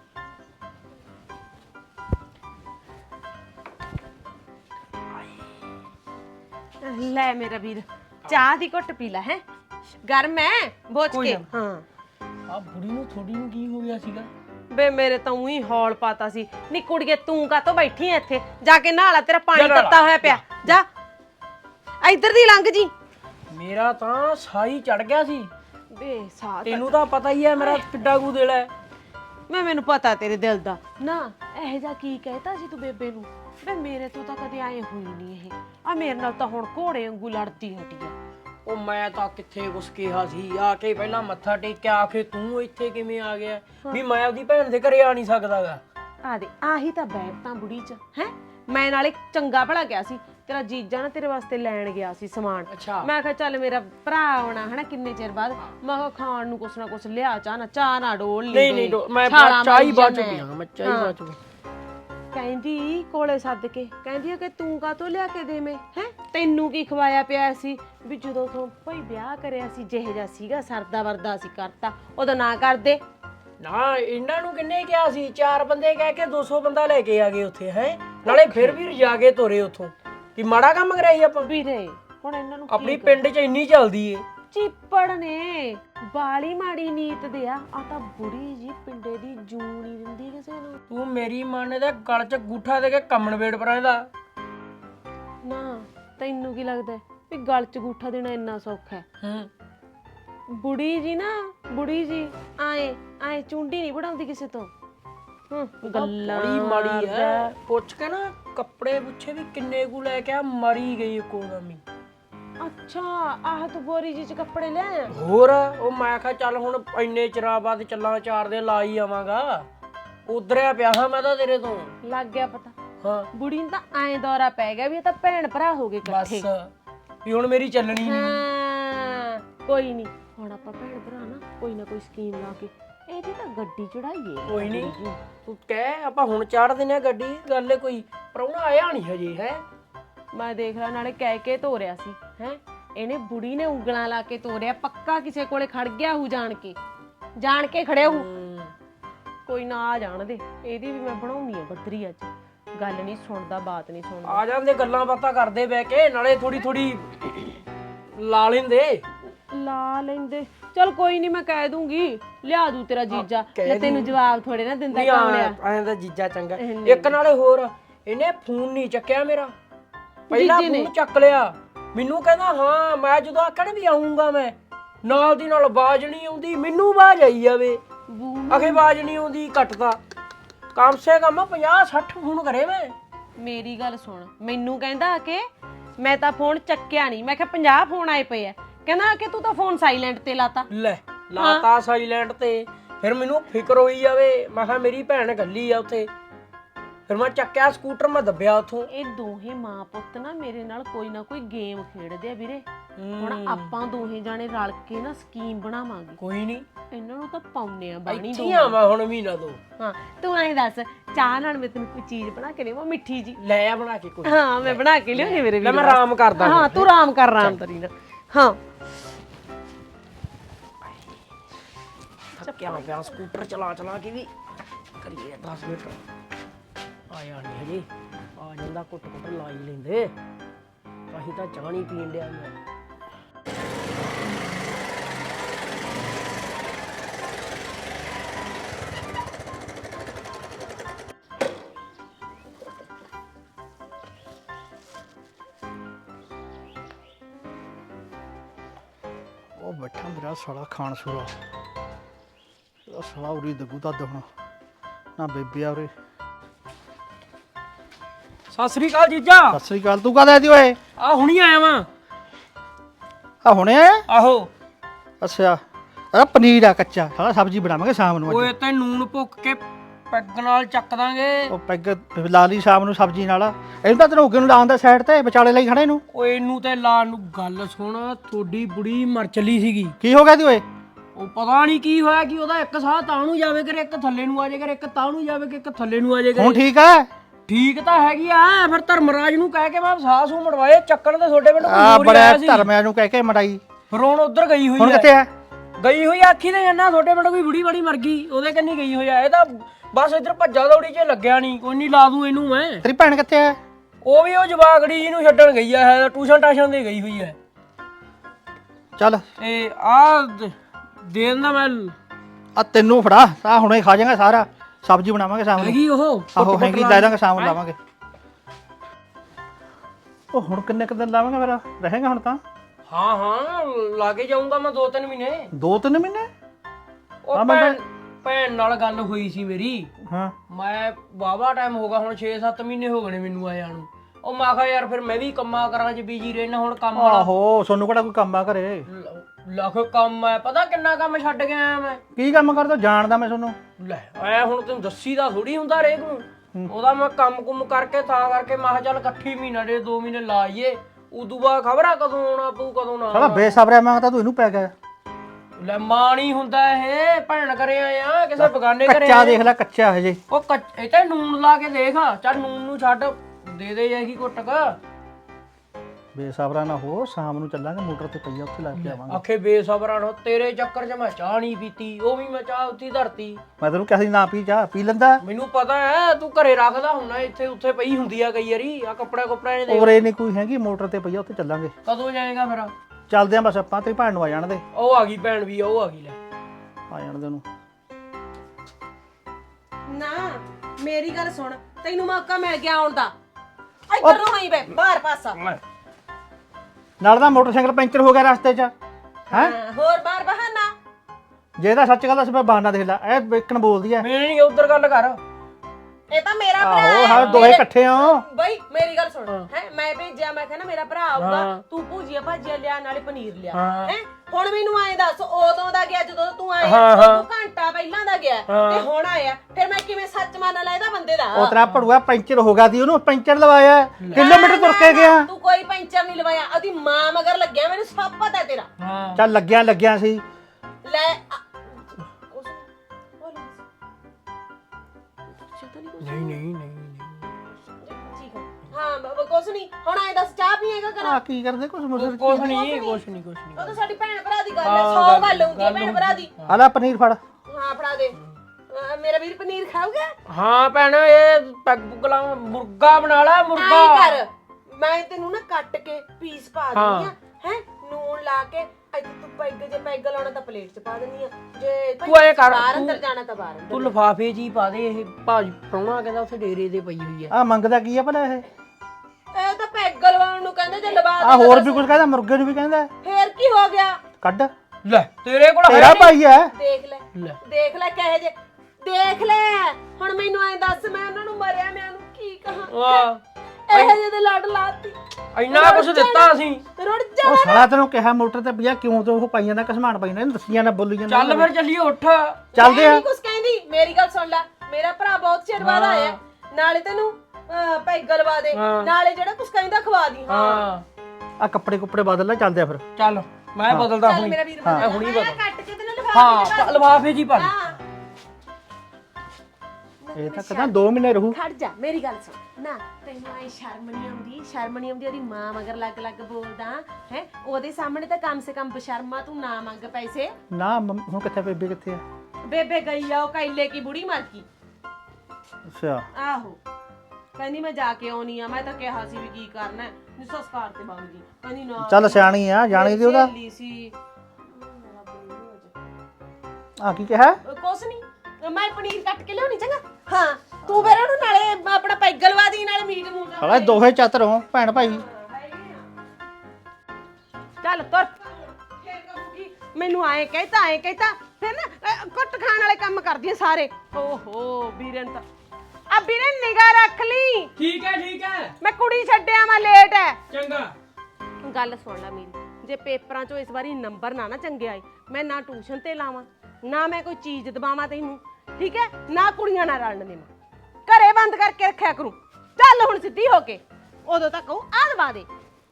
S1: ਲੈ ਮੇਰਾ ਵੀਰ ਚਾਹ ਦੀ ਘੁੱਟ ਪੀ ਲੈ ਹੈ ਗਰਮ ਹੈ ਬੋਝ
S2: ਕੋਈ
S1: ਕੇ
S2: ਨਾ।
S1: ਹਾਂ
S2: ਆ ਬੁੜੀ ਨੂੰ ਥੋੜੀ ਨੂੰ ਕੀ ਹੋ ਗਿਆ ਸੀਗਾ?
S1: ਬੇ ਮੇਰੇ ਤਾਂ ਉਹੀ ਹੌਲ ਪਾਤਾ ਸੀ ਨੀ ਕੁੜੀਏ ਤੂੰ ਕਾਤੋਂ ਬੈਠੀ ਐ ਇੱਥੇ ਜਾ ਕੇ ਨਹਾ ਲੈ ਤੇਰਾ ਪਾਣੀ ਤੱਤਾ ਹੋਇਆ ਪਿਆ ਜਾ ਇੱਧਰ ਦੀ ਲੰਘ ਜੀ
S2: ਮੇਰਾ ਤਾਂ ਸਾਈ ਚੜ ਗਿਆ ਸੀ।
S1: ਬੇ ਸਾਥ
S2: ਤੈਨੂੰ ਤਾਂ ਪਤਾ ਹੀ ਹੈ ਮੇਰਾ ਕਿੱਡਾ ਕੁ ਦਿਲ ਹੈ।
S1: ਮੈਂ ਮੈਨੂੰ ਪਤਾ ਤੇਰੇ ਦਿਲ ਦਾ ਨਾ ਇਹ ਜਾ ਕੀ ਕਹਿਤਾ ਸੀ ਤੂੰ ਬੇਬੇ ਨੂੰ ਬੇ ਮੇਰੇ ਤੋਂ ਤਾਂ ਕਦੇ ਆਏ ਹੋਈ ਨਹੀਂ ਇਹ ਆ ਮੇਰੇ ਨਾਲ ਤਾਂ ਹੁਣ ਘੋੜੇ ਵਾਂਗੂ ਲੜਦੀ ਹਟੀ ਆ
S2: ਉਹ ਮੈਂ ਤਾਂ ਕਿੱਥੇ ਕੁਛ ਕਿਹਾ ਸੀ, ਆ ਕੇ ਪਹਿਲਾਂ ਮੱਥਾ ਟੇਕਿਆ, ਆਖੇ ਤੂੰ ਇੱਥੇ ਕਿਵੇਂ ਆ ਗਿਆ ਵੀ ਮੈਂ ਆਪਦੀ ਭੈਣ ਦੇ ਘਰੇ ਆ ਨਹੀਂ ਸਕਦਾਗਾ।
S1: ਆ ਦੇ ਆਹੀ ਤਾਂ ਬੈਠ ਤਾਂ ਬੁੜੀ ਚ ਹੈ ਮੈਂ ਨਾਲੇ ਚੰਗਾ ਭਲਾ ਗਿਆ ਸੀ ਤੇਰਾ ਜੀਜਾ ਨਾ ਤੇਰੇ ਵਾਸਤੇ ਲੈਣ ਗਿਆ ਸੀ ਸਮਾਨ
S2: ਅੱਛਾ।
S1: ਮੈਂ ਕਿਹਾ ਚੱਲ ਮੇਰਾ ਭਰਾ ਆਉਣਾ ਹਨਾ ਕਿੰਨੇ ਚਿਰ ਬਾਅਦ ਮੈਂ ਕਿਹਾ ਖਾਣ ਨੂੰ ਕੁਛ ਨਾ ਕੁਛ ਲਿਆ ਚਾਹ ਨਾ ਚਾਹ ਨਾ ਡੋਲ ਲਈ
S2: ਨਹੀਂ ਨਹੀਂ ਡੋ- ਮੈਂ ਚਾਹ ਹੀ ਬਾਅਦ ਚ ਪੀਵਾਂਗਾ, ਮੈਂ ਚਾਹ ਹੀ ਬਾਅਦ ਚ।
S1: ਕਹਿੰਦੀ ਕੋਲੇ ਸੱਦ ਕੇ ਕਹਿੰਦੀ ਆ ਕਿ ਤੂੰ ਕਾਤੋਂ ਲਿਆ ਕੇ ਦੇਵੇਂ ਹੈ ਤੈਨੂੰ ਕੀ ਖਵਾਇਆ ਪਿਆ ਸੀ ਵੀ ਜਦੋਂ ਤੋਂ ਭਾਈ ਵਿਆਹ ਕਰਿਆ ਸੀ ਜਿਹੇ ਜਿਹਾ ਸੀਗਾ ਸਰਦਾ ਵਰਦਾ ਸੀ ਕਰਤਾ ਉਦੋਂ ਨਾ ਕਰਦੇ
S2: ਨਾ ਇਹਨਾਂ ਨੂੰ ਕਿੰਨੇ ਕਿਹਾ ਸੀ, ਚਾਰ ਬੰਦੇ ਕਹਿ ਕੇ ਦੋ ਸੌ ਬੰਦਾ ਲੈ ਕੇ ਆ ਗਏ ਉੱਥੇ ਹੈ, ਨਾਲੇ ਫਿਰ ਵੀ ਰਜਾ ਕੇ ਤੋਰੇ ਉੱਥੋਂ ਕਿ ਮਾੜਾ ਕੰਮ ਕਰਿਆ ਸੀ ਆਪਾਂ।
S1: ਵੀਰੇ ਹੁਣ ਇਹਨਾਂ ਨੂੰ
S2: ਆਪਣੀ ਪਿੰਡ 'ਚ ਇੰਨੀ ਚੱਲਦੀ ਏ
S1: ਚੀਪੜ ਨੇ ਬਾਲੀ ਮਾੜੀ ਨੀਤ ਦੇ ਆ ਆ ਤਾਂ ਬੁੜੀ ਜੀ ਪਿੰਡੇ ਦੀ ਜੂੰ ਨਹੀਂ ਦਿੰਦੀ ਕਿਸੇ ਨੂੰ
S2: ਤੂੰ ਮੇਰੀ ਮਾਂ ਦੇ ਗਲ 'ਚ ਗੂਠਾ ਦੇ ਕੇ ਕੰਮਣ ਵੇੜ ਪਰਾਂ ਇਹਦਾ।
S1: ਨਾ ਤੈਨੂੰ ਕੀ ਲੱਗਦਾ ਵੀ ਗਲ 'ਚ ਗੂਠਾ ਦੇਣਾ ਇੰਨਾ ਸੌਖਾ ਹੈ
S2: ਹੂੰ
S1: ਬੁੜੀ ਜੀ ਨਾ ਬੁੜੀ ਜੀ ਆਏ ਆਏ ਚੁੰਡੀ ਨਹੀਂ ਬਣਾਉਂਦੀ ਕਿਸੇ ਤੋਂ ਹੂੰ ਗੱਲਾਂ
S2: ਬੜੀ ਮਾੜੀ ਹੈ ਪੁੱਛ ਕੇ ਨਾ ਕੱਪੜੇ ਪੁੱਛੇ ਵੀ ਕਿੰਨੇ ਕੁ ਲੈ ਕੇ ਆ ਮਰੀ ਗਈ ਇੱਕੋਦਮ ਹੀ।
S1: ਅੱਛਾ ਆਹ ਤੂੰ ਬੋਰੀ ਜੀ ਚ ਕੱਪੜੇ ਲੈ ਆਇਆ
S2: ਹੋਰ ਉਹ ਮੈਂ ਕਿਹਾ ਚੱਲ ਹੁਣ ਇੰਨੇ ਚਿਰਾਂ ਬਾਅਦ ਚੱਲਾਂ, ਚਾਰ ਦਿਨ ਲਾ ਹੀ ਆਵਾਂਗਾ। ਉਧਰਿਆ ਪਿਆ ਹਾਂ ਮੈਂ ਤਾਂ ਤੇਰੇ ਤੋਂ।
S1: ਲੱਗ ਗਿਆ ਪਤਾ
S2: ਹਾਂ
S1: ਬੁੜੀ ਨੂੰ ਤਾਂ ਐਂ ਦੌਰਾ ਪੈ ਗਿਆ ਵੀ ਇਹ ਤਾਂ ਭੈਣ ਭਰਾ ਹੋ ਗਏ
S2: ਬਸ
S1: ਇਕੱਠੇ
S2: ਵੀ ਹੁਣ ਮੇਰੀ ਚੱਲਣੀ ਨਹੀਂ।
S1: ਹਾਂ ਕੋਈ ਨਹੀਂ ਹੁਣ ਆਪਾਂ ਭੈਣ ਭਰਾ ਨਾ ਕੋਈ ਨਾ ਕੋਈ ਸਕੀਮ ਲਾ ਕੇ ਇਹਦੀ ਤਾਂ ਗੱਡੀ ਚੜਾਈਏ
S2: ਕੋਈ ਨਹੀਂ ਤੂੰ ਕਹਿ ਆਪਾਂ ਹੁਣ ਚਾੜ ਦਿੰਨੇ ਆ ਗੱਡੀ, ਗੱਲ ਏ ਕੋਈ ਪ੍ਰਾਹੁਣਾ ਆਇਆ ਨਹੀਂ ਹਜੇ ਹੈ।
S1: ਮੈਂ ਦੇਖ ਲਾ ਨਾਲੇ ਕਹਿ ਕੇ ਤੋਰਿਆ ਸੀ ਹੈ ਇਹਨੇ ਬੁੜੀ ਨੇ ਉਂਗਲਾਂ ਲਾ ਕੇ ਤੋਰਿਆ ਪੱਕਾ ਕਿਸੇ ਕੋਲੇ ਖੜ ਗਿਆ ਹੂ ਜਾਣ ਕੇ ਜਾਣ ਕੇ ਖੜਿਆ ਹੂ ਕੋਈ ਨਾ ਆ ਜਾਣ ਦੇ ਇਹਦੀ ਵੀ ਮੈਂ ਬਣਾਉਣੀ ਆ ਬੱਦਰੀ ਅੱਜ ਗੱਲ ਨਹੀਂ ਸੁਣਦਾ ਬਾਤ ਨਹੀਂ ਸੁਣਦਾ
S2: ਆ ਜਾਂਦੇ ਗੱਲਾਂ ਬਾਤਾਂ ਕਰਦੇ ਬਹਿ ਕੇ, ਨਾਲੇ ਥੋੜੀ ਥੋੜੀ ਲਾ ਲੈਂਦੇ।
S1: ਲਾ ਲੈਂਦੇ ਚਲ ਕੋਈ ਨਹੀਂ ਮੈਂ ਕਹਿ ਦੂੰਗੀ ਲਿਆ ਦੂ ਤੇਰਾ ਜੀਜਾ ਲੈ ਤੈਨੂੰ ਜਵਾਬ ਥੋੜੇ ਨਾ ਦਿੰਦਾ ਕੌਣਿਆ
S2: ਐਂ ਦਾ ਜੀਜਾ ਚੰਗਾ ਇੱਕ ਨਾਲੇ ਹੋਰ ਇਹਨੇ ਫੋਨ ਨਹੀਂ ਚੱਕਿਆ ਮੇਰਾ ਪਹਿਲਾਂ ਫੋਨ ਚੱਕ ਲਿਆ ਮੈਨੂੰ ਕਹਿੰਦਾ ਹਾਂ ਮੈਂ ਜਦੋਂ ਆਖਣ ਵੀ ਆਉਂਗਾ ਮੈਂ ਨਾਲ ਦੀ ਨਾਲ ਆਵਾਜ਼ ਨਹੀਂ ਆਉਂਦੀ ਮੈਨੂੰ ਆਵਾਜ਼ ਆਈ ਜਾਵੇ ਅਖੇ ਆਵਾਜ਼ ਨਹੀਂ ਆਉਂਦੀ ਘਟਦਾ ਕਮ ਸੇ ਕਮ ਪੰਜਾਹ ਸੱਠ ਫੋਨ ਕਰੇ ਮੈਂ
S1: ਮੇਰੀ ਗੱਲ ਸੁਣ ਮੈਨੂੰ ਕਹਿੰਦਾ ਕਿ ਮੈਂ ਤਾਂ ਫੋਨ ਚੱਕਿਆ ਨਹੀਂ ਮੈਂ ਕਿਹਾ ਪੰਜਾਹ ਫੋਨ ਆਏ ਪਏ ਆ ਕਹਿੰਦਾ ਕਿ ਤੂੰ ਤਾਂ ਫੋਨ ਸਾਇਲੈਂਟ ਤੇ ਲਾਤਾ
S2: ਲੈ ਲਾਤਾ ਸਾਇਲੈਂਟ ਤੇ ਫਿਰ ਮੈਨੂੰ ਫਿਕਰ ਹੋਈ ਜਾਵੇ ਮੈਂ ਕਿਹਾ ਮੇਰੀ ਭੈਣ ਗੱਲੀ ਆ ਉੱਥੇ ਫਿਰ ਮੈਂ ਚੱਕਿਆ ਸਕੂਟਰ ਮੈਂ ਦੱਬਿਆ ਉੱਥੋਂ
S1: ਇਹ ਦੋਹੇ ਮਾਂ ਪੁੱਤ ਨਾ ਮੇਰੇ ਨਾਲ ਕੋਈ ਨਾ ਕੋਈ ਗੇਮ ਖੇਡਦੇ ਆ ਵੀਰੇ ਹੁਣ ਆਪਾਂ ਦੋਹੇ ਜਾਣੇ ਰਲ ਕੇ ਨਾ ਸਕੀਮ ਬਣਾਵਾਂਗੇ
S2: ਕੋਈ ਨਹੀਂ
S1: ਇਹਨਾਂ ਨੂੰ ਤਾਂ ਪਾਉਨੇ ਆ ਬਾਣੀ ਦੋ
S2: ਇੱਥੇ ਆਵਾਂ ਹੁਣ ਮਹੀਨਾ ਦੋ
S1: ਹਾਂ ਤੂੰ ਐਂ ਦੱਸ ਚਾਹ ਨਾਲ ਮੈਂ ਤੈਨੂੰ ਕੋਈ ਚੀਜ਼ ਬਣਾ ਕੇ ਦੇਵਾਂ ਮਿੱਠੀ ਜੀ
S2: ਲੈ ਆ ਬਣਾ ਕੇ ਕੋਈ
S1: ਹਾਂ ਮੈਂ ਬਣਾ ਕੇ ਲਿਆਉਣੀ ਮੇਰੇ ਵੀਰ
S2: ਲੈ ਮੈਂ ਆਰਾਮ ਕਰਦਾ
S1: ਹਾਂ ਤੂੰ ਆਰਾਮ ਕਰ ਆਰਾਮ ਕਰੀ ਨਾ ਹਾਂ
S2: ਚੱਕਿਆ ਪਿਆ ਸਕੂਟਰ ਚਲਾ ਚਲਾ ਕੇ ਵੀ ਕਰੀਏ ਦਸ ਮਿੰਟ ਆਇਆ ਨਹੀਂ ਹਜੇ ਆ ਜਾਂਦਾ ਕੁੱਟ ਕੁੱਟ ਲਾ ਹੀ ਲੈਂਦੇ ਅਸੀਂ ਤਾਂ ਚਾਹ ਨਹੀਂ ਪੀਣ ਡਿਆ ਮੈਂ
S3: ਉਹ ਬੈਠਾ ਮੇਰਾ ਸਾਲਾ ਖਾਣ ਸੁਰਾ ਇਹਦਾ ਸਾਲਾ ਉਰੀ ਦਗੂ ਤਾਂ ਹੁਣ ਨਾ ਬੇਬੀ ਆ ਉਰੇ
S2: ਸਤਿ ਸ੍ਰੀ ਅਕਾਲ ਜੀਜਾ
S3: ਸਤਿ ਸ੍ਰੀ ਅਕਾਲ ਤੂੰ ਕਾਹਦਾ ਆਦੀ ਓਏ
S2: ਆ ਹੁਣੀ ਆਇਆ ਵਾਂ
S3: ਆ ਹੁਣੇ ਆਇਆ
S2: ਆਹੋ
S3: ਅੱਛਾ ਆ ਪਨੀਰ ਆ ਕੱਚਾ ਸਾਲਾ ਸਬਜ਼ੀ ਬਣਾਵਾਂਗੇ ਸ਼ਾਮ ਨੂੰ
S2: ਓਏ ਤੇ ਨੂਨ ਭੁੱਕ ਕੇ ਪੈਗ ਨਾਲ ਚੱਕ ਦਾਂਗੇ
S3: ਉਹ ਪੈਗ ਲਾ ਲਈ ਸ਼ਾਮ ਨੂੰ ਸਬਜ਼ੀ ਨਾਲ ਇਹਨੂੰ ਤਾਂ ਧਨੋਗੇ ਨੂੰ ਲਾਉਣ ਦਾ ਸਾਈਡ ਤੇ ਵਿਚਾਲੇ ਲਈ ਖੜੇ ਨੂੰ
S2: ਓਏ ਇਹਨੂੰ ਤੇ ਲਾਣ ਨੂੰ ਗੱਲ ਸੁਣ ਤੁਹਾਡੀ ਬੁੜੀ ਮਰ ਚਲੀ ਸੀਗੀ
S3: ਕੀ ਹੋ ਗਿਆ ਦੀ ਓਏ
S2: ਉਹ ਪਤਾ ਨਹੀਂ ਕੀ ਹੋਇਆ ਕਿ ਉਹਦਾ ਇੱਕ ਸਾਹ ਤਾਂ ਨੂੰ ਜਾਵੇ ਕਰ ਇੱਕ ਥੱਲੇ ਨੂੰ ਆ ਜਾਏ ਕਰ ਇੱਕ ਤਾਂ ਨੂੰ ਜਾਵੇ ਕਿ ਇੱਕ ਥੱਲੇ ਨੂੰ ਆ ਜਾਏ
S3: ਹੁਣ
S2: ਕਰ
S3: ਠੀਕ ਆ
S2: ਠੀਕ ਤਾਂ ਹੈਗੀ ਆ ਫਿਰ ਧਰਮਰਾਜ ਨੂੰ ਕਹਿ ਕੇ ਮੈਂ ਸਾਹ ਸੂ ਮੜਵਾਏ ਚੱਕਣ ਤੇ ਤੁਹਾਡੇ ਪਿੰਡ
S3: ਆ
S2: ਕੋਈ
S3: ਬੜਾ ਧਰਮਿਆਂ ਨੂੰ ਕਹਿ ਕੇ ਮੜਾਈ
S2: ਫਿਰ ਹੁਣ ਉਧਰ ਗਈ ਹੋਈ
S3: ਹੁਣ
S2: ਹੈ
S3: ਕਿੱਥੇ ਆ
S2: ਗਈ ਹੋਈ ਆਖੀ ਤੇ ਜੰਨਾ ਤੁਹਾਡੇ ਪਿੰਡ ਕੋਈ ਬੁੜੀ ਬੜੀ ਮਰ ਗਈ ਉਹਦੇ ਕੰਨੀ ਗਈ ਹੋਈ ਆ ਇਹ ਤਾਂ ਬਸ ਇੱਧਰ ਭੱਜਾ ਦੌੜੀ 'ਚ ਲੱਗਿਆ ਨਹੀਂ ਕੋਈ ਨਹੀਂ ਲਾ ਦੂੰ ਇਹਨੂੰ ਮੈਂ
S3: ਤੇਰੀ ਭੈਣ ਕਿੱਥੇ ਆ
S2: ਉਹ ਵੀ ਉਹ ਜਵਾਗੜੀ ਜੀ ਨੂੰ ਛੱਡਣ ਗਈ ਆ ਹੈ ਟਿਊਸ਼ਨ ਟਾਸ਼ਨ ਦੇ ਗਈ ਹੋਈ ਹੈ
S3: ਚੱਲ
S2: ਤੇ ਆ ਦੇਣ ਦਾ ਮੈਂ
S3: ਆ ਤੈਨੂੰ ਫੜਾ ਆ ਹੁਣੇ ਖਾ ਜਾਏਗਾ ਸਾਰਾ ਸਬਜ਼ੀ ਬਣਾਵਾਂਗੇ ਸ਼ਾਮ ਨੂੰ
S2: ਹੈਗੀ ਉਹ
S3: ਆਹੋ ਹੈਗੀ ਲੈ ਦਾਂਗੇ ਸ਼ਾਮ ਨੂੰ ਲਾਵਾਂਗੇ ਉਹ ਹੁਣ ਕਿੰਨੇ ਕੁ ਦਿਨ ਲਾਵਾਂਗੇ ਫਿਰ ਰਹੇਗਾ ਹੁਣ ਤਾਂ
S2: ਹਾਂ ਹਾਂ ਲਾਗੇ ਜਾਊਂਗਾ ਮੈਂ ਦੋ ਤਿੰਨ ਮਹੀਨੇ
S3: ਦੋ ਤਿੰਨ ਮਹੀਨੇ
S2: ਉਹ ਭੈਣ ਭੈਣ ਨਾਲ ਗੱਲ ਹੋਈ ਸੀ ਮੇਰੀ
S3: ਹਾਂ
S2: ਮੈਂ ਵਾਵਾ ਟਾਈਮ ਹੋਗਾ ਹੁਣ ਛੇ ਸੱਤ ਮਹੀਨੇ ਹੋ ਗਏ ਮੈਨੂੰ ਆਇਆ ਨੂੰ ਉਹ ਮੈਂ ਕਿਹਾ ਯਾਰ ਫਿਰ ਮੈਂ ਵੀ ਕੰਮਾਂ ਕਰਾਂ ਚ ਬੀਜੀ ਰਹਿਣਾ ਹੁਣ ਕੰਮ ਵਾਲਾ
S3: ਆਹੋ ਸੋਨੂੰ ਕਿਹੜਾ ਕੋਈ ਕੰਮ ਆ ਘਰੇ
S2: ਲੱਖ ਕੰਮ ਹੈ ਪਤਾ ਕਿੰਨਾ ਕੰਮ ਛੱਡ ਕੇ ਆਇਆ ਮੈਂ
S3: ਕੀ ਕੰਮ ਕਰਦਾ ਜਾਣਦਾ ਮੈਂ ਤੁਹਾਨੂੰ
S2: ਲੈ ਆਇਆ ਹੁਣ ਤੈਨੂੰ ਦੱਸੀ ਦਾ ਥੋੜੀ ਹੁੰਦਾ ਰੇਕ ਨੂੰ ਉਹਦਾ ਮੈਂ ਕੰਮ ਕੁਮ ਕਰਕੇ ਤਾਂ ਕਰਕੇ ਮੈਂ ਕਿਹਾ ਚੱਲ ਇਕੱਠੀ ਮਹੀਨਾ ਦੇ ਦੋ ਮਹੀਨੇ ਲਾਈਏ ਉਦੋਂ ਬਾਅਦ ਖਬਰ ਆ ਕਦੋਂ ਆਉਣਾ ਪਊ ਕਦੋਂ ਨਾ
S3: ਸਾਲਾ ਬੇਸਬਰਿਆ ਮੈਂ ਤਾਂ ਤੂੰ ਇਹਨੂੰ ਪੈ ਗਿਆ
S2: ਲੈ ਮਾਂ ਨਹੀਂ ਹੁੰਦਾ ਇਹ ਭੈਣ ਕਰੇ ਆਇਆ ਕਿਸੇ ਬਗਾਨੇ ਕਰੇ
S3: ਕੱਚਾ ਦੇਖ ਲੈ ਕੱਚਾ ਹਜੇ
S2: ਉਹ ਕੱਚ- ਇਹ ਤੇ ਨੂਨ ਲਾ ਕੇ ਦੇਖ ਚੱਲ ਨੂਨ ਨੂੰ ਛੱਡ ਦੇ ਦੇ ਜਾਏਗੀ ਘੁੱਟਕ
S3: ਬੇਸਬਰਾ ਨਾ ਹੋ ਸ਼ਾਮ ਨੂੰ ਚੱਲਾਂਗੇ ਮੋਟਰ ਤੇ ਪਈਆ ਉੱਥੇ ਲੱਗ ਕੇ ਆਵਾਂਗੇ
S2: ਆਖੇ ਬੇਸਬਰਾਂ ਨੂੰ ਤੇਰੇ ਚੱਕਰ 'ਚ ਮੈਂ ਚਾਹ ਨਹੀਂ ਪੀਤੀ ਉਹ ਵੀ ਮੈਂ ਚਾਹ ਉੱਤੀ ਧਰਤੀ
S3: ਮੈਂ ਤੈਨੂੰ ਕਿਹਾ ਸੀ ਨਾ ਪੀ ਚਾਹ ਪੀ ਲੈਂਦਾ
S2: ਮੈਨੂੰ ਪਤਾ ਹੈ ਤੂੰ ਘਰੇ ਰੱਖਦਾ ਹੁੰਨਾ ਇੱਥੇ ਉੱਥੇ ਪਈ ਹੁੰਦੀ ਆ ਕਈ ਵਾਰੀ ਆ ਕੱਪੜਾ ਕੁਪੜਾ ਨੇ ਦੇ
S3: ਹੋਰ ਇਹ ਨਹੀਂ ਕੋਈ ਹੈਗੀ ਮੋਟਰ ਤੇ ਪਈਆ ਉੱਥੇ ਚੱਲਾਂਗੇ
S2: ਕਦੋਂ ਜਾਏਗਾ ਫਿਰ
S3: ਚੱਲਦੇ ਆਂ ਬਸ ਆਪਾਂ ਤੇਰੀ ਭੈਣ ਨੂੰ ਆ ਜਾਣ ਦੇ
S2: ਉਹ ਆ ਗਈ ਭੈਣ ਵੀ ਉਹ ਆ ਗਈ ਲੈ
S3: ਆ ਜਾਣ ਦੇ ਉਹਨੂੰ
S1: ਨਾ ਮੇਰੀ ਗੱਲ ਸੁਣ ਤੈਨੂੰ ਮੌਕਾ ਮਿਲ ਗਿਆ ਆਉਣ ਦਾ ਇੱਧਰ ਨੂੰ ਆਈ ਬੈ ਬਾਹਰ ਪਾਸਾ
S3: ਨਾਲ ਦਾ ਮੋਟਰਸਾਈਕਲ ਪੈਂਚਰ ਹੋ ਗਿਆ ਰਸਤੇ 'ਚ
S1: ਹਾਂ ਹੋਰ ਬਾਹਰ ਬਹਾਨਾ
S3: ਜੇ ਇਹਦਾ ਸੱਚ ਗੱਲ ਦੱਸ ਮੈਂ ਬਹਾਨਾ ਦੇਖ ਲੈ ਇਹ ਵੇਖਣ ਬੋਲਦੀ ਐ
S2: ਮੇਰੇ ਨਹੀਂ ਉਧਰ ਗੱਲ ਕਰ
S1: ਇਹ ਤਾਂ ਮੇਰਾ ਭਰਾ
S3: ਆਹੋ
S1: ਹੈ
S3: ਹਾਂ ਦੋਵੇਂ ਇਕੱਠੇ ਹੋ
S1: ਬਈ ਮੇਰੀ ਗੱਲ ਸੁਣ ਹੈ ਮੈਂ ਭੇਜਿਆ ਮੈਂ ਕਹਿੰਦਾ ਮੇਰਾ ਭਰਾ ਆਊਗਾ ਤੂੰ ਭੂਜੀਆ ਭਾਜੀਆ ਲਿਆ ਨਾਲੇ ਪਨੀਰ ਲਿਆ ਹੈ ਹੁਣ ਮੈਨੂੰ ਐਂ ਦੱਸ ਉਦੋਂ ਦਾ ਗਿਆ ਜਦੋਂ ਤੂੰ ਆਇਆ ਤੂੰ ਘੰਟਾ ਪਹਿਲਾਂ ਦਾ ਗਿਆ ਤੇ ਹੁਣ ਆਇਆ ਫਿਰ ਮੈਂ ਕਿਵੇਂ ਸੱਚ ਮੰਨ ਲਾ ਇਹਦਾ ਬੰਦੇ ਦਾ
S3: ਉਹ ਤੇਰਾ ਭੜੂਆ ਪੈਂਚਰ ਹੋ ਗਿਆ ਸੀ ਉਹਨੂੰ ਪੈਂਚਰ ਲਵਾਇਆ ਕਿਲੋਮੀਟਰ ਤੁਰ ਕੇ ਗਿਆ
S1: ਤੂੰ ਕੋਈ ਪੈਂਚਰ ਨਹੀਂ ਲਵਾਇਆ ਉਹਦੀ ਮਾਂ ਮਗਰ ਲੱਗਿਆ ਮੈਨੂੰ ਸਭ ਪਤਾ ਤੇਰਾ
S2: ਹਾਂ
S3: ਚੱਲ ਲੱਗਿਆ ਲੱਗਿਆ ਸੀ
S1: ਲੈ
S2: ਨਹੀਂ ਨਹੀਂ ਨਹੀਂ
S1: ਹਾਂ ਕੁਛ ਨਹੀਂ ਹੁਣ ਐ ਦੱਸ ਚਾਹ ਪੀਏਗਾ ਕਰਾ
S3: ਆ ਕੀ ਕਰਦੇ ਕੁਛ ਮੁਰਦ
S2: ਕੁਛ ਨਹੀਂ ਕੁਛ ਨਹੀਂ ਕੁਛ ਨਹੀਂ
S1: ਉਹ ਤਾਂ ਸਾਡੀ ਭੈਣ ਭਰਾ ਦੀ ਗੱਲ ਹੈ ਸੌ ਗੱਲ ਹੁੰਦੀ ਹੈ ਭੈਣ ਭਰਾ ਦੀ
S3: ਆ ਲੈ ਪਨੀਰ ਫੜ
S1: ਹਾਂ ਫੜਾ ਦੇ ਅਹ ਮੇਰਾ ਵੀਰ ਪਨੀਰ ਖਾਊਗਾ
S2: ਹਾਂ ਭੈਣ ਇਹ ਪੈਗ ਪੁਗਲਾ ਮੁਰਗਾ ਬਣਾ ਲੈ
S1: ਆਈ
S2: ਮੁਰਗਾ
S1: ਕਰ ਮੈਂ ਤੈਨੂੰ ਨਾ ਕੱਟ ਕੇ ਪੀਸ ਪਾ ਦਿੰਦੀ ਆ ਹੈ ਨੂਨ ਲਾ ਕੇ ਇੱਥੇ ਤੂੰ ਪੈਗ ਜੇ ਪੈਗ ਲਾਉਣਾ ਤਾਂ ਪਲੇਟ 'ਚ ਪਾ ਦੇਣੀ ਆ ਜੇ
S2: ਤੂੰ ਐ ਕਰ,
S1: ਬਾਹਰ
S2: ਤੂੰ-
S1: ਅੰਦਰ ਜਾਣਾ ਤਾਂ ਬਾਹਰ ਅੰਦਰ
S2: ਤੂੰ ਲਿਫਾਫੇ ਜੀ ਪਾ ਦੇ ਇਹ ਭਾਜ ਪ੍ਰਾਹੁਣਾ ਕਹਿੰਦਾ ਉੱਥੇ ਡੇਰੇ ਦੇ ਪਈ ਹੋਈ ਆ
S3: ਆ ਮੰਗਦਾ ਕੀ ਆ ਭਲਾ ਇਹ
S1: ਇਹ ਤਾਂ ਪੈਗ ਲਵਾਉਣ ਨੂੰ ਕਹਿੰਦੇ ਜੇ ਲਵਾ
S3: ਆ ਹੋਰ ਵੀ ਕੁਝ ਕਹਿੰਦਾ, ਮੁਰਗੇ ਨੂੰ ਵੀ ਕਹਿੰਦਾ।
S1: ਫੇਰ ਕੀ ਹੋ ਗਿਆ?
S3: ਕੱਢ
S2: ਲੈ ਤੇਰੇ ਕੋਲ
S3: ਤੇਰਾ ਭਾਈ ਹੈ।
S1: ਦੇਖ ਲੈ
S2: ਲੈ
S1: ਦੇਖ ਲੈ ਕਹੇ ਜੇ ਦੇਖ ਲੈ ਹੁਣ ਮੈਨੂੰ ਐਂ ਦੱਸ ਮੈਂ ਉਹਨਾਂ ਨੂੰ ਮਰਿਆ ਮੈਂ ਉਹਨੂੰ ਕੀ ਕਹਾਂ
S2: ਵਾਹ
S1: ਇਹ ਜਿਹੇ ਦੇ ਲੜ ਲਾਤੀ
S2: ਇੰਨਾ ਕੁਝ ਦਿੱਤਾ ਅਸੀਂ।
S1: ਰੁੜ
S3: ਉਹ
S1: ਜਾ
S3: ਸਾਲਾ ਤੈਨੂੰ ਕਿਹਾ ਮੋਟਰ ਤੇ ਪਿਆ ਕਿਉਂ ਤੇ ਉਹ ਪਾਈਆਂ ਦਾ ਘਸਮਾਨ ਪਾਈ ਨਾ ਦੱਸੀਆਂ ਨਾ ਬੋਲੀਆਂ ਨਾ।
S2: ਚੱਲ ਫਿਰ ਚੱਲੀਏ ਉੱਠ।
S3: ਚੱਲਦੇ ਆ।
S1: ਕੁਛ ਕਹਿੰਦੀ ਮੇਰੀ ਗੱਲ ਸੁਣ ਲੈ ਮੇਰਾ ਭਰਾ ਬਹੁਤ ਚਿਰ ਬਾਅਦ ਆਇਆ ਨਾਲੇ ਤੈਨੂੰ ਅਹ, ਪੈਗ ਲਵਾ ਦੇ ਨਾਲੇ ਜਿਹੜਾ ਕੁਛ ਕਹਿੰਦਾ ਖਵਾ ਦੀ
S2: ਹਾਂ
S3: ਆ ਕੱਪੜੇ ਕੁੱਪੜੇ ਬਦਲ ਲੈ, ਚੱਲਦੇ ਆ ਫਿਰ।
S2: ਚੱਲ ਮੈਂ ਬਦਲਦਾ
S1: ਚੱਲ
S2: ਹੁਣੀ।
S1: ਮੇਰਾ ਵੀਰ
S2: ਮੈਂ
S1: ਬਦਲ
S2: ਹੁਣੀ
S1: ਲੈ
S2: ਬਦਲ
S1: ਕੱਟ ਕੇ ਤੇ ਨਾ ਲਿਫਾਫੇ
S2: ਹਾਂ ਲਿਫਾਫੇ ਜੀ ਪਾ ਦੇ।
S3: ਇਹ ਤਾਂ ਕਹਿੰਦਾ ਦੋ ਮਹੀਨੇ ਰਹੂ।
S1: ਖੜ ਜਾ ਮੇਰੀ ਗੱਲ ਸੁਣ ਨਾ ਤੈਨੂੰ ਐ ਸ਼ਰਮ ਨਹੀਂ ਆਉਂਦੀ ਸ਼ਰਮ ਨਹੀਂ ਆਉਂਦੀ ਉਹਦੀ ਮਾਂ ਮਗਰ ਲੱਗ ਲੱਗ ਬੋਲਦਾ ਹੈ ਉਹਦੇ ਸਾਹਮਣੇ ਤਾਂ ਕਮ ਸੇ ਕਮ ਬਸ਼ਰਮਾ ਤੂੰ ਨਾ ਮੰਗ ਪੈਸੇ
S3: ਨਾ ਮੰਮ- ਹੁਣ ਕਿੱਥੇ ਬੇਬੇ ਕਿੱਥੇ ਆ?
S1: ਬੇਬੇ ਗਈ ਆ ਉਹ ਕੈਲੇ ਕੀ ਬੁੜੀ ਮਰ ਗਈ
S3: ਅੱਛਾ
S1: ਆਹੋ ਕਹਿੰਦੀ ਮੈਂ ਜਾ ਕੇ ਆਉਣੀ ਆ ਮੈਂ ਤਾਂ ਕਿਹਾ ਸੀ ਵੀ ਕੀ ਕਰਨਾ ਨੀ ਸੰਸਕਾਰ ਤੇ ਬਣ ਗਈ ਕਹਿੰਦੀ ਨਾ
S3: ਚੱਲ ਸਿਆਣੀ ਆ, ਜਾਣੀ ਦੀ ਉਹਦਾ।
S1: ਸਹੇਲੀ ਸੀ
S3: ਆ ਕੀ ਕਿਹਾ?
S1: ਅਹ ਕੁਛ ਨਹੀਂ ਮੈਂ ਪਨੀਰ ਕੱਟ ਕੇ ਲਿਆਉਣੀ ਚੰਗਾ ਹਾਂ ਤੂੰ ਫਿਰ ਉਹਨੂੰ ਨਾਲੇ ਆਪਣਾ ਪੈਗ ਲਵਾ ਦੀ ਨਾਲੇ ਮੀਟ ਮੂਟ
S3: ਸਾਲਾ ਦੋਹੇ ਚਾਤਰ ਹੋ ਭੈਣ ਭਾਈ।
S1: ਚੱਲ ਤੁਰ ਫੇਰ ਕਹੂਗੀ ਮੈਨੂੰ ਆਏ ਕਹਿਤਾ ਆਏ ਕਹਿਤਾ ਫਿਰ ਨਾ ਅਹ, ਕੁੱਟ ਖਾਣ ਵਾਲੇ ਕੰਮ ਕਰਦੀਆਂ ਸਾਰੇ ਓਹੋ ਵੀਰਨ ਤਾਂ ਆ ਵੀਰਨ ਨਿਗਾਹ ਰੱਖ ਲਈ
S2: ਠੀਕ ਹੈ ਠੀਕ ਹੈ
S1: ਮੈਂ ਕੁੜੀ ਛੱਡਿਆ ਮੈਂ ਲੇਟ ਹੈ
S2: ਚੰਗਾ।
S1: ਗੱਲ ਸੁਣ ਲੈ ਮੇਰੀ ਜੇ ਪੇਪਰਾਂ 'ਚੋਂ ਇਸ ਵਾਰੀ ਨੰਬਰ ਨਾ ਨਾ ਚੰਗੇ ਆਏ ਮੈਂ ਨਾ ਟਿਊਸ਼ਨ ਤੇ ਲਾਵਾਂ ਨਾ ਮੈਂ ਕੋਈ ਚੀਜ਼ ਦਬਾਵਾਂ ਤੈਨੂੰ ਠੀਕ ਹੈ ਨਾ ਕੁੜੀਆਂ ਨਾਲ ਰਲਣ ਦੇਵਾਂ ਘਰੇ ਬੰਦ ਕਰਕੇ ਰੱਖਿਆ ਕਰੂੰ ਚੱਲ ਹੁਣ ਸਿੱਧੀ ਹੋ ਕੇ ਉਦੋਂ ਤੱਕ ਉਹ ਆ ਦਬਾ ਦੇ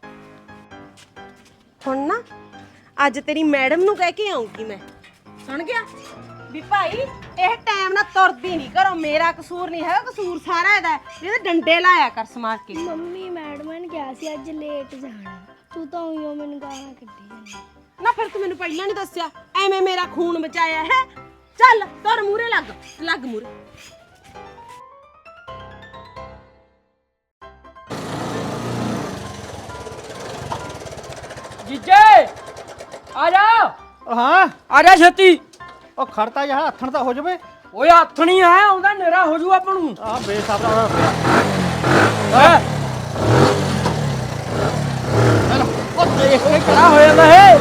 S1: ਹੁਣ ਨਾ ਅੱਜ ਤੇਰੀ ਮੈਡਮ ਨੂੰ ਕਹਿ ਕੇ ਆਉਂਗੀ ਮੈਂ ਸੁਣ ਗਿਆ ਵੀ ਭਾਈ ਇਹ ਟਾਈਮ ਨਾਲ ਤੁਰਦੀ ਨਹੀਂ ਘਰੋਂ ਮੇਰਾ ਕਸੂਰ ਨਹੀਂ ਹੈਗਾ ਕਸੂਰ ਸਾਰਾ ਇਹਦਾ ਇਹਦੇ ਡੰਡੇ ਲਾਇਆ ਕਰ ਸਮਾਰ ਕੇ
S4: ਮੰਮੀ ਮੈਡਮ ਨੇ ਕਿਹਾ ਸੀ ਅੱਜ ਲੇਟ ਜਾਣਾ ਤੂੰ ਤਾਂ ਉਈਓ ਮੈਨੂੰ ਗਾਲਾਂ ਕੱਢੀ ਜਾਂਦੀ
S1: ਨਾ ਫਿਰ ਤੂੰ ਮੈਨੂੰ ਪਹਿਲਾਂ ਨਹੀਂ ਦੱਸਿਆ ਐਵੇਂ ਮੇਰਾ ਖੂਨ ਬਚਾਇਆ ਹੈ ਚੱਲ ਤੁਰ ਮੂਰੇ ਲੱਗ ਲੱਗ ਮੂਰੇ
S2: ਜੀਜੇ ਆ ਜਾ
S3: ਉਹ ਹਾਂ
S2: ਆ ਜਾ ਛੇਤੀ।
S3: ਉਹ ਖੜਤਾ ਜਾ ਹੱਥਣ ਤਾਂ ਹੋ ਜਾਵੇ।
S2: ਓਏ ਹੱਥ ਨਹੀਂ ਆ ਆਉਂਦਾ ਨੇਰਾ ਹੋ ਜੂ ਆਪਾਂ ਨੂੰ।
S3: ਆ ਬੇਸਾਬਰਾ ਹੋਇਆ ਪਿਆ।
S2: ਹੈ
S3: ਉਹ ਦੇਖ ਕੇ
S2: ਕਿਹੜਾ ਹੋ ਜਾਂਦਾ ਹੈ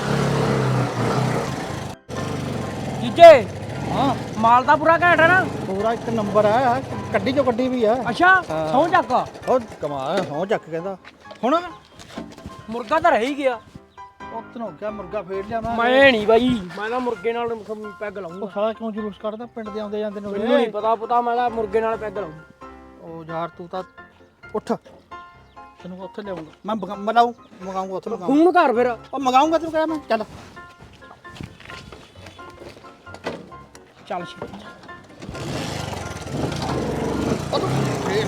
S2: ਜੀਜੇ।
S3: ਹਾਂ
S2: ਮਾਲ ਦਾ ਪੂਰਾ ਘੈਂਟ ਹੈ ਨਾ।
S3: ਪੂਰਾ ਇੱਕ ਨੰਬਰ ਆ ਕੱਢੀ ਜੋ ਕੱਢੀ ਵੀ ਆ।
S2: ਅੱਛਾ ਸੌਂ ਚੱਕ
S3: ਉਹ ਕਮਾਲ ਹੋ ਚੱਕ ਕਹਿੰਦਾ ਹੁਣ
S2: ਮੁਰਗਾ ਤਾਂ ਰਹਿ ਹੀ ਗਿਆ।
S3: ਉਹ ਤੈਨੂੰ ਕਿਹਾ ਮੁਰਗਾ ਫੇੜ ਲਿਆ ਮੈਂ।
S2: ਮੈਂ ਨਹੀਂ ਬਾਈ ਮੈਂ ਤਾਂ ਮੁਰਗੇ ਨਾਲ ਪੈਗ
S3: ਉਹ
S2: ਲਾਉਂਗਾ।
S3: ਸਾਲਾ ਕਿਉਂ ਜਲੂਸ ਕੱਢਦਾ ਪਿੰਡ ਦੇ ਆਉਂਦੇ ਜਾਂਦੇ ਨੂੰ
S2: ਮੈਨੂੰ ਨਹੀਂ ਪਤਾ ਪਤਾ ਮੈਂ ਤਾਂ ਮੁਰਗੇ ਨਾਲ ਪੈਗ ਲਾਉਂਗਾ।
S3: ਉਹ ਯਾਰ ਤੂੰ ਤਾਂ ਉੱਠ ਤੈਨੂੰ ਉੱਥੇ ਲਿਆਉਂਗਾ ਮੈਂ ਬਗਾ- ਮਲਾਊ ਮਗਾਉਂਗਾ ਉੱਥੇ ਮਗਾਉਂਗਾ
S2: ਫੋਨ ਕਰ ਫਿਰ।
S3: ਉਹ ਮਗਾਉਂਗਾ ਤੈਨੂੰ ਕਿਹਾ ਮੈਂ ਚੱਲ
S2: ਚੱਲ ਛੇਤੀ
S3: ਉਹ ਤੂੰ ਫੇਰ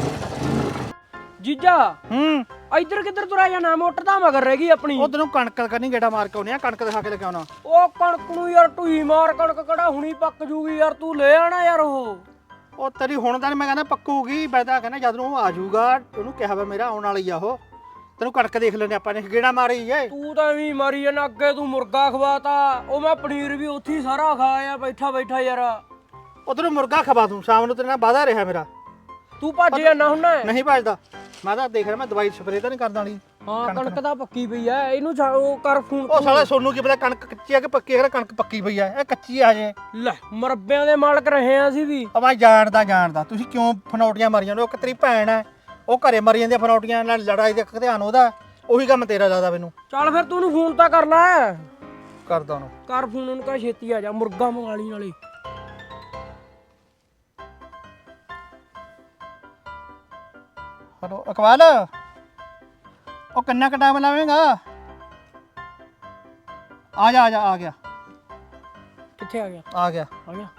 S2: ਜੀਜਾ
S3: ਹੂੰ
S2: ਇੱਧਰ ਕਿੱਧਰ ਤੁਰਿਆ ਜਾਣਾ ਮੋਟਰ ਤਾਂ ਮਗਰ ਰਹਿ ਗਈ ਆਪਣੀ।
S3: ਉਹ ਤੈਨੂੰ ਕਣਕ ਕਰਨੀ ਗੇੜਾ ਮਾਰ ਕੇ ਆਉਣੀ ਆ ਕਣਕ ਦਿਖਾ ਕੇ ਲੈ ਕੇ ਆਉਣਾ।
S2: ਉਹ ਕਣਕ ਨੂੰ ਯਾਰ ਢੂਈ ਮਾਰ ਕਣਕ ਕਿਹੜਾ ਹੁਣੀ ਪੱਕ ਜੂਗੀ ਯਾਰ ਤੂੰ ਲੈ ਆਣਾ ਯਾਰ ਉਹ।
S3: ਉਹ ਤੇਰੀ ਹੁਣ ਤਾਂ ਨੀ ਮੈਂ ਕਹਿੰਦਾ ਪੱਕੂਗੀ ਮੈਂ ਤਾਂ ਕਹਿੰਦਾ ਜਦ ਨੂੰ ਉਹ ਆ ਜਾਊਗਾ ਉਹਨੂੰ ਕਿਹਾ ਵਾ ਮੇਰਾ ਆਉਣ ਵਾਲੀ ਆ ਉਹ ਤੈਨੂੰ ਕਣਕ ਦੇਖ ਲੈਣੇ ਆਪਾਂ ਨੇ ਗੇੜਾ ਮਾਰੀ ਏ।
S2: ਤੂੰ ਤਾਂ ਐਵੇਂ ਮਾਰੀ ਜਾਣਾ ਅੱਗੇ ਤੂੰ ਮੁਰਗਾ ਖਵਾਤਾ ਉਹ ਮੈਂ ਪਨੀਰ ਵੀ ਉੱਥੇ ਹੀ ਸਾਰਾ ਖਾਇਆ ਬੈਠਾ ਬੈਠਾ ਯਾਰ।
S3: ਉਹ ਤੈਨੂੰ ਮੁਰਗਾ ਖਵਾ ਦੂੰ ਸ਼ਾਮ ਨੂੰ ਤੇਰੇ ਨਾਲ ਵਾਦਾ ਰਿਹਾ ਮੇਰਾ।
S2: ਤੂੰ ਭੱਜ ਜਾਣਾ ਹੁੰਨਾ।
S3: ਨਹੀਂ ਭੱਜਦਾ ਮੈਂ ਤਾਂ ਦੇਖ ਰਿਹਾ ਮੈਂ ਦਵਾਈ ਸਪਰੇਅ ਤਾਂ ਨਹੀਂ ਕਰਦਾ ਵਾਲੀ।
S2: ਹਾਂ ਕਣਕ ਤਾਂ ਪੱਕੀ ਪਈ ਐ ਇਹਨੂੰ ਛੱਡ, ਉਹ ਕਰ ਫੋਨ।
S3: ਉਹ ਸਾਲਾ ਸੋਨੂੰ ਕੀ ਪਤਾ ਕਣਕ ਕੱਚੀ ਆ ਕਿ ਪੱਕੀ ਹੈ ਕਣਕ ਪੱਕੀ ਪਈ ਆ ਇਹ ਕੱਚੀ ਆ ਜੇ।
S2: ਲੈ ਮਰੱਬਿਆਂ ਦੇ ਮਾਲਕ ਰਹੇ ਆ ਅਸੀਂ ਵੀ।
S3: ਉਹ ਮੈਂ ਜਾਣਦਾ ਜਾਣਦਾ ਤੁਸੀਂ ਕਿਉਂ ਫਨੌਟੀਆਂ ਮਾਰੀ ਜਾਂਦੇ ਹੋ। ਇੱਕ ਤੇਰੀ ਭੈਣ ਹੈ ਉਹ ਘਰੇ ਮਰੀ ਜਾਂਦੀ ਫਨੌਟੀਆਂ ਨਾਲ ਲੜਾਈ ਦੇ ਧਿਆਨ ਉਹਦਾ ਉਹੀ ਕੰਮ ਤੇਰਾ ਜ਼ਿਆਦਾ ਮੈਨੂੰ।
S2: ਚੱਲ ਫਿਰ ਤੂੰ ਉਹਨੂੰ ਫੋਨ ਤਾਂ ਕਰ ਲੈ।
S3: ਕਰਦਾ ਉਹਨੂੰ
S2: ਕਰ ਫੋਨ ਉਹਨੂੰ ਕਹ ਛੇਤੀ ਆ ਜਾ ਮੁਰਗਾ ਮੰਗਾ ਲਈ ਨਾਲੇ।
S3: ਹਲੋ ਅਕਵਾਲ ਉਹ ਕਿੰਨਾ ਕੁ ਟਾਈਮ ਲਾਵੇਂਗਾ? ਆ ਜਾ ਆ ਜਾ ਆ ਗਿਆ
S2: ਕਿੱਥੇ ਆ ਗਿਆ?
S3: ਆ ਗਿਆ
S2: ਆ ਗਿਆ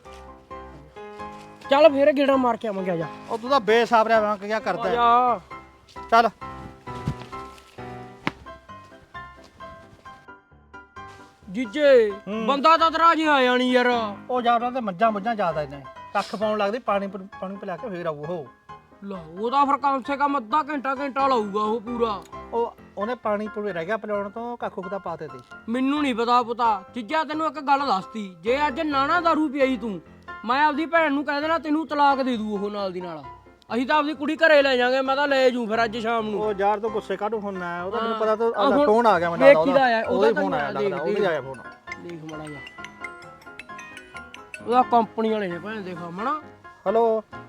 S2: ਚੱਲ ਫਿਰ ਗੇੜਾ ਮਾਰ ਕੇ ਆਵਾਂਗੇ ਆ ਜਾ।
S3: ਉਹ ਤੂੰ ਤਾਂ ਬੇਸਾਬਰਿਆ ਵਾਂ ਕੀ ਕਰਦਾ
S2: ਆ
S3: ਹੈ।
S2: ਜਾ
S3: ਚੱਲ
S2: ਜੀਜੇ ਬੰਦਾ ਤਾਂ ਤੇਰਾ ਜੀ ਆਇਆ ਨਹੀਂ ਯਾਰ।
S3: ਉਹ ਜਾ ਉਹਨਾਂ ਤੇ ਮੱਝਾਂ ਮੁੱਝਾਂ ਜ਼ਿਆਦਾ ਇਹਨੇ ਕੱਖ ਪਾਉਣ ਲੱਗਦੀ ਪਾਣੀ ਪ- ਪਾਣੀ ਪਿਲਾ ਕੇ ਫੇਰ ਆਊ ਉਹ।
S2: ਲਾ ਉਹਦਾ ਫਿਰ ਕਮ ਸੇ ਕਮ ਅੱਧਾ ਘੰਟਾ ਘੰਟਾ ਲਾਊਗਾ ਉਹ ਪੂਰਾ।
S3: ਉਹ ਉਹਨੇ ਪਾਣੀ ਪੂਰੇ ਰਹਿ ਗਿਆ ਪਿਲਾਉਣ ਤੋਂ ਕੱਖੂ ਦਾ ਪਾਤੇ ਤੇ
S2: ਮੈਨੂੰ ਨਹੀਂ ਪਤਾ ਪਤਾ ਚੀਜ਼ਾਂ ਤੈਨੂੰ ਇੱਕ ਗੱਲ ਦੱਸਤੀ ਜੇ ਅੱਜ ਨਾਣਾ ਦਾਰੂ ਪੀਈ ਤੂੰ ਮੈਂ ਆਪਦੀ ਭੈਣ ਨੂੰ ਕਹਿ ਦੇਣਾ ਤੈਨੂੰ ਤਲਾਕ ਦੇ ਦੂ ਉਹ ਨਾਲ ਦੀ ਨਾਲ ਅਸੀਂ ਤਾਂ ਆਪਦੀ ਕੁੜੀ ਘਰੇ ਲੈ ਜਾਾਂਗੇ ਮੈਂ ਤਾਂ ਲੈ ਜੂ ਫਿਰ ਅੱਜ ਸ਼ਾਮ ਨੂੰ
S3: ਉਹ ਯਾਰ ਤੋਂ ਗੁੱਸੇ ਕਾਹਨੂੰ ਹੁੰਨਾ ਉਹਦਾ ਮੈਨੂੰ
S2: ਹਾਂ।
S3: ਪਤਾ ਤਾਂ
S2: ਆਹ ਹੁਣ
S3: ਫੋਨ ਆ ਗਿਆ ਮੈਨੂੰ ਲੱਗਦਾ
S2: ਕਿਹਦਾ ਆਇਆ?
S3: ਉਹਦਾ
S2: ਉਹਦਾ
S3: ਫੋਨ
S2: ਤਾਂ
S3: ਆਇਆ ਲੱਗਦਾ
S2: ਦੇਖ,
S3: ਉਹਦਾ ਆਇਆ ਫੋਨ
S2: ਦੇਖ ਮੜਾ ਜਾ ਉਹਦਾ ਕੰਪਨੀ ਵਾਲੇ ਨੇ ਭੈਣ ਦੇਖਾ ਮਣਾ
S3: ਹੈਲੋ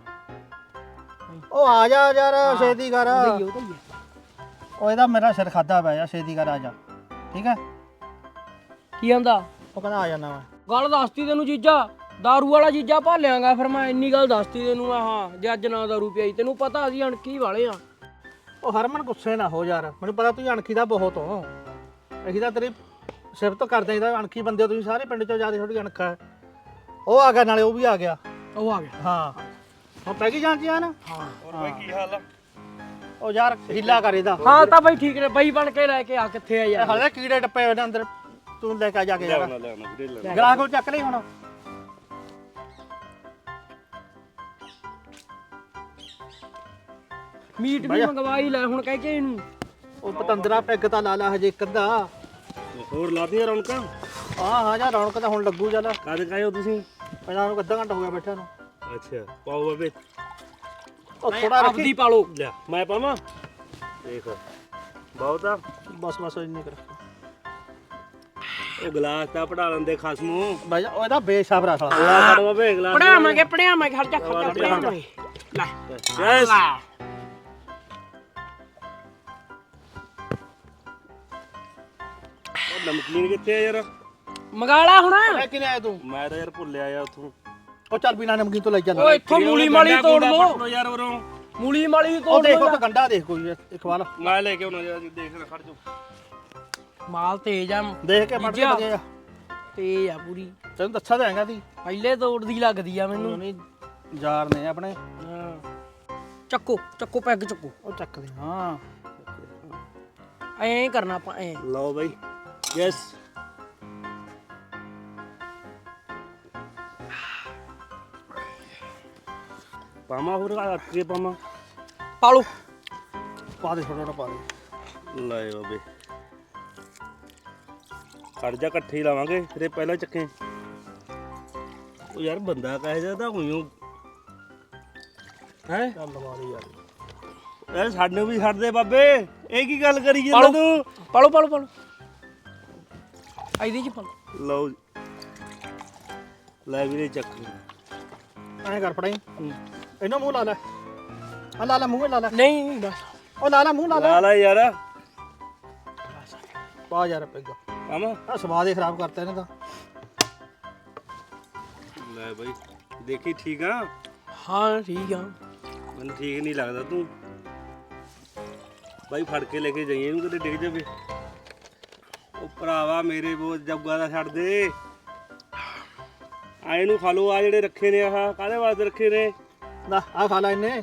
S3: ਉਹ ਆ ਜਾ ਯਾਰ ਛੇਤੀ ਕਰ
S2: ਉਹਦਾ ਹੀ ਉਹਦਾ ਹੀ
S3: ਉਹ ਇਹਦਾ ਮੇਰਾ ਸਿਰ ਖਾਦਾ ਪਿਆ ਯਾਰ ਛੇਤੀ ਕਰ ਆ ਜਾ ਠੀਕ ਹੈ
S2: ਕੀ ਆਂਦਾ
S3: ਉਹ ਕਹਿੰਦਾ ਆ ਜਾਣਾ ਮੈਂ
S2: ਗੱਲ ਦੱਸਤੀ ਤੈਨੂੰ ਜੀਜਾ ਦਾਰੂ ਵਾਲਾ ਜੀਜਾ ਭਾਲਿਆਂਗਾ ਫਿਰ ਮੈਂ ਇੰਨੀ ਗੱਲ ਦੱਸਤੀ ਤੈਨੂੰ ਆਹ ਜੇ ਅੱਜ ਨਾ ਦਾਰੂ ਪੀਈ ਤੈਨੂੰ ਪਤਾ ਅਸੀਂ ਅਣਖੀ ਵਾਲੇ ਆ
S3: ਉਹ ਹਰਮਨ ਗੁੱਸੇ ਨਾ ਹੋ ਯਾਰ ਮੈਨੂੰ ਪਤਾ ਤੂੰ ਅਣਖੀ ਦਾ ਬਹੁਤ ਹੋ ਅਸੀਂ ਤਾਂ ਤੇਰੀ ਸਿਫਤ ਕਰਦੇ ਇਹਦਾ ਅਣਖੀ ਬੰਦੇ ਹੋ ਤੁਸੀਂ ਸਾਰੇ ਪਿੰਡ ਚੋਂ ਜਿਆਦਾ ਥੋੜੀ ਅਣਖਾ ਹੈ ਉਹ ਆ ਗਿਆ ਨਾਲੇ ਉਹ ਵੀ ਆ ਗਿਆ
S2: ਉਹ ਆ ਗਿਆ
S3: ਹਾਂ ਹੁਣ ਪੈ ਗਈ ਜਾਣ ਚ ਨਾ
S2: ਹਾਂ
S3: ਹੋਰ ਬਾਈ ਕੀ ਹਾਲ ਆ ਉਹ ਯਾਰ ਹੀਲਾ ਕਰ ਇਹਦਾ
S2: ਹਾਂ ਤਾਂ ਬਈ ਠੀਕ ਨੇ ਬਈ ਬਣ ਕੇ ਲੈ ਕੇ ਆ ਕਿੱਥੇ ਆ ਯਾਰ
S3: ਹਲੇ ਕੀੜੇ ਟੱਪੇ ਹੋਏ ਨੇ ਅੰਦਰ ਤੂੰ ਲੈ ਕੇ ਆ ਜਾ ਕੇ ਯਾਰ ਗਲਾਸ ਕੋਲ ਚੱਕ ਲਈ ਹੁਣ
S2: ਮੀਟ ਵੀ ਮੰਗਵਾਈ ਲੈ ਹੁਣ ਕਹਿ ਕੇ ਇਹਨੂੰ
S3: ਉਹ ਪਤੰਦਰਾ ਪੈਗ ਤਾਂ ਲਾ ਲਾ ਹਜੇ ਇੱਕ ਅੱਧਾ
S5: ਹੋਰ ਲਾਦੀਆਂ ਰੌਣਕਾਂ
S3: ਹਾਂ ਹਾਂ ਜਾਂ ਰੌਣਕ ਤਾਂ ਹੁਣ ਲੱਗੂ ਚੱਲ
S5: ਕਦ ਕਾਇਓ ਤੁਸੀਂ
S3: ਪਹਿਲਾਂ ਨੂੰ ਅੱਧਾ ਘੰਟਾ ਹੋ ਗਿਆ ਬੈਠਾ ਨੂੰ
S5: ਅੱਛਾ ਪਾਓ ਬਾਬੇ
S3: ਉਹ ਥੋੜਾ ਰੱਖੀ
S2: ਆਪਦੀ ਪਾਲੋ
S5: ਲੈ ਮੈਂ ਪਾਵਾਂ ਦੇਖ ਬਹੁਤ ਆ
S3: ਬਸ ਬਸ ਇੰਨੇ ਕਰ
S5: ਉਹ ਗਲਾਸ ਤਾਂ ਪੜਾ ਲੈਂਦੇ ਖਸਮੂ
S3: ਬਾਈ ਉਹ ਇਹਦਾ ਬੇਸ਼ਾਬ ਰਸਲਾ
S5: ਗਲਾਸ ਫੜ ਬਾਬੇ ਗਲਾਸ
S2: ਪੜਾਵਾਂਗੇ ਪੜਾਵਾਂਗੇ ਖਰਚਾ ਖਰਚਾ ਪੜਾਵਾਂਗੇ ਲੈ
S5: ਯੈਸ ਉਹ ਨਮਕੀਨ ਕਿੱਥੇ ਆ ਯਾਰ
S2: ਮੰਗਾਲਾ ਹੁਣ
S3: ਮੈਂ ਕਿਨੇ ਆਇਆ ਤੂੰ
S5: ਮੈਂ ਤਾਂ ਯਾਰ ਭੁੱਲਿਆ ਆ ਉੱਥੋਂ
S3: ਉਹ ਚੱਲ ਬਿਨਾ ਨਮਕੀਨ ਤੋਂ ਲੈ ਚੱਲ
S2: ਓਏ ਇੱਥੋਂ ਮੂਲੀ ਮਾਲੀ ਤੋੜ ਲੋ
S5: ਯਾਰ ਉਰੋਂ
S2: ਮੂਲੀ ਮਾਲੀ
S3: ਉਹ
S2: ਤੋੜ
S3: ਦੇਖੋ
S2: ਲੋ
S3: ਤਾਂ ਗੰਡਾ ਦੇਖ ਕੋਈ ਇੱਕ ਵਾਰ
S5: ਮੈਂ ਲੈ ਕੇ ਆਉਣਾ ਯਾਰ ਦੇਖ ਲੈ ਖੜ ਜਾ
S2: ਮਾਲ ਤੇਜ ਆ
S3: ਦੇਖ ਕੇ ਮੜ
S2: ਜੀਜਾ।
S3: ਕੇ
S2: ਤੇਜ ਆ ਪੂਰੀ
S3: ਤੈਨੂੰ ਦੱਸਿਆ ਤਾਂ ਹੈਗਾ ਤੀ
S2: ਪਹਿਲੇ ਤੋੜਦੀ ਲੱਗਦੀ ਆ ਮੈਨੂੰ
S3: ਨਹੀਂ ਯਾਰ ਨੇ ਆਪਣੇ
S2: ਹਾਂ। ਚੱਕੋ ਚੱਕੋ ਪੈਗ ਚੱਕੋ
S3: ਉਹ ਚੱਕਦੇ ਹਾਂ
S2: ਐਂ ਕਰਨਾ ਆਪਾਂ ਐਂ
S5: ਲਓ ਬਾਈ ਯੈਸ ਪਾਮਾ ਹੋਰ ਆ ਕੇ ਪਾਮਾ
S2: ਪਾਲੋ
S3: ਪਾ ਦੇ ਥੋੜਾ ਥੋੜਾ ਪਾ ਦੇ
S5: ਲੈ ਬਾਬੇ ਖੜ ਜਾ ਇਕੱਠੇ ਹੀ ਲਾਵਾਂਗੇ ਤੇਰੇ ਪਹਿਲਾਂ ਚੱਕੇ ਉਹ ਯਾਰ ਬੰਦਾ ਕਹੇ ਜਾਂਦਾ ਹੋਈਓ ਹੈ
S3: ਚੱਲ ਲਵਾ ਦੇ ਯਾਰ
S5: ਯਾਰ ਸਾਨੂੰ ਵੀ ਛੱਡ ਦੇ ਬਾਬੇ ਇਹ ਕੀ ਗੱਲ ਕਰੀ ਜਾਂਦਾ
S2: ਪਾਲੋ
S5: ਤੂੰ
S2: ਪਾਲੋ ਪਾਲੋ ਪਾਲੋ ਆਈਦੀ ਜੀ ਪਾਲੋ
S5: ਲਓ ਜੀ। ਲੈ ਵੀਰੇ ਚੱਕ
S3: ਐਂ ਕਰ ਫੜਾਈ ਇਹਨੂੰ ਮੂੰਹ ਲਾ ਲੈ ਆ ਲਾ ਲੈ ਮੂੰਹ ਲਾ ਲੈ
S2: ਨਹੀਂ ਨਹੀਂ ਬਸ
S3: ਉਹ ਲਾ ਲੈ ਮੂੰਹ ਲਾ ਲੈ
S5: ਲਾ ਲੈ ਯਾਰ
S3: ਪਾ ਯਾਰ ਪੈਗ
S5: ਪਾਮਾ
S3: ਆ ਸਵਾਦ ਹੀ ਖਰਾਬ ਕਰਤਾ ਇਹਨੇ ਤਾਂ
S5: ਲੈ ਬਾਈ ਦੇਖੀ ਠੀਕ ਆ
S2: ਹਾਂ ਠੀਕ ਆ
S5: ਮੈਨੂੰ ਠੀਕ ਨਹੀਂ ਲੱਗਦਾ ਤੂੰ ਬਾਈ ਫੜ ਕੇ ਲੈ ਕੇ ਜਾਈਏ ਇਹਨੂੰ ਕਿਤੇ ਡਿੱਗ ਜਾਵੇ ਉਹ ਭਰਾਵਾ ਮੇਰੇ ਬੋਝ ਜੱਗਾ ਦਾ ਛੱਡ ਦੇ ਆ ਇਹਨੂੰ ਖਾ ਲਓ ਆ ਜਿਹੜੇ ਰੱਖੇ ਨੇ ਆਹ ਕਾਹਦੇ ਵਾਸਤੇ ਰੱਖੇ ਨੇ
S3: ਲੈ ਆ ਖਾ ਲੈ ਇਹਨੇ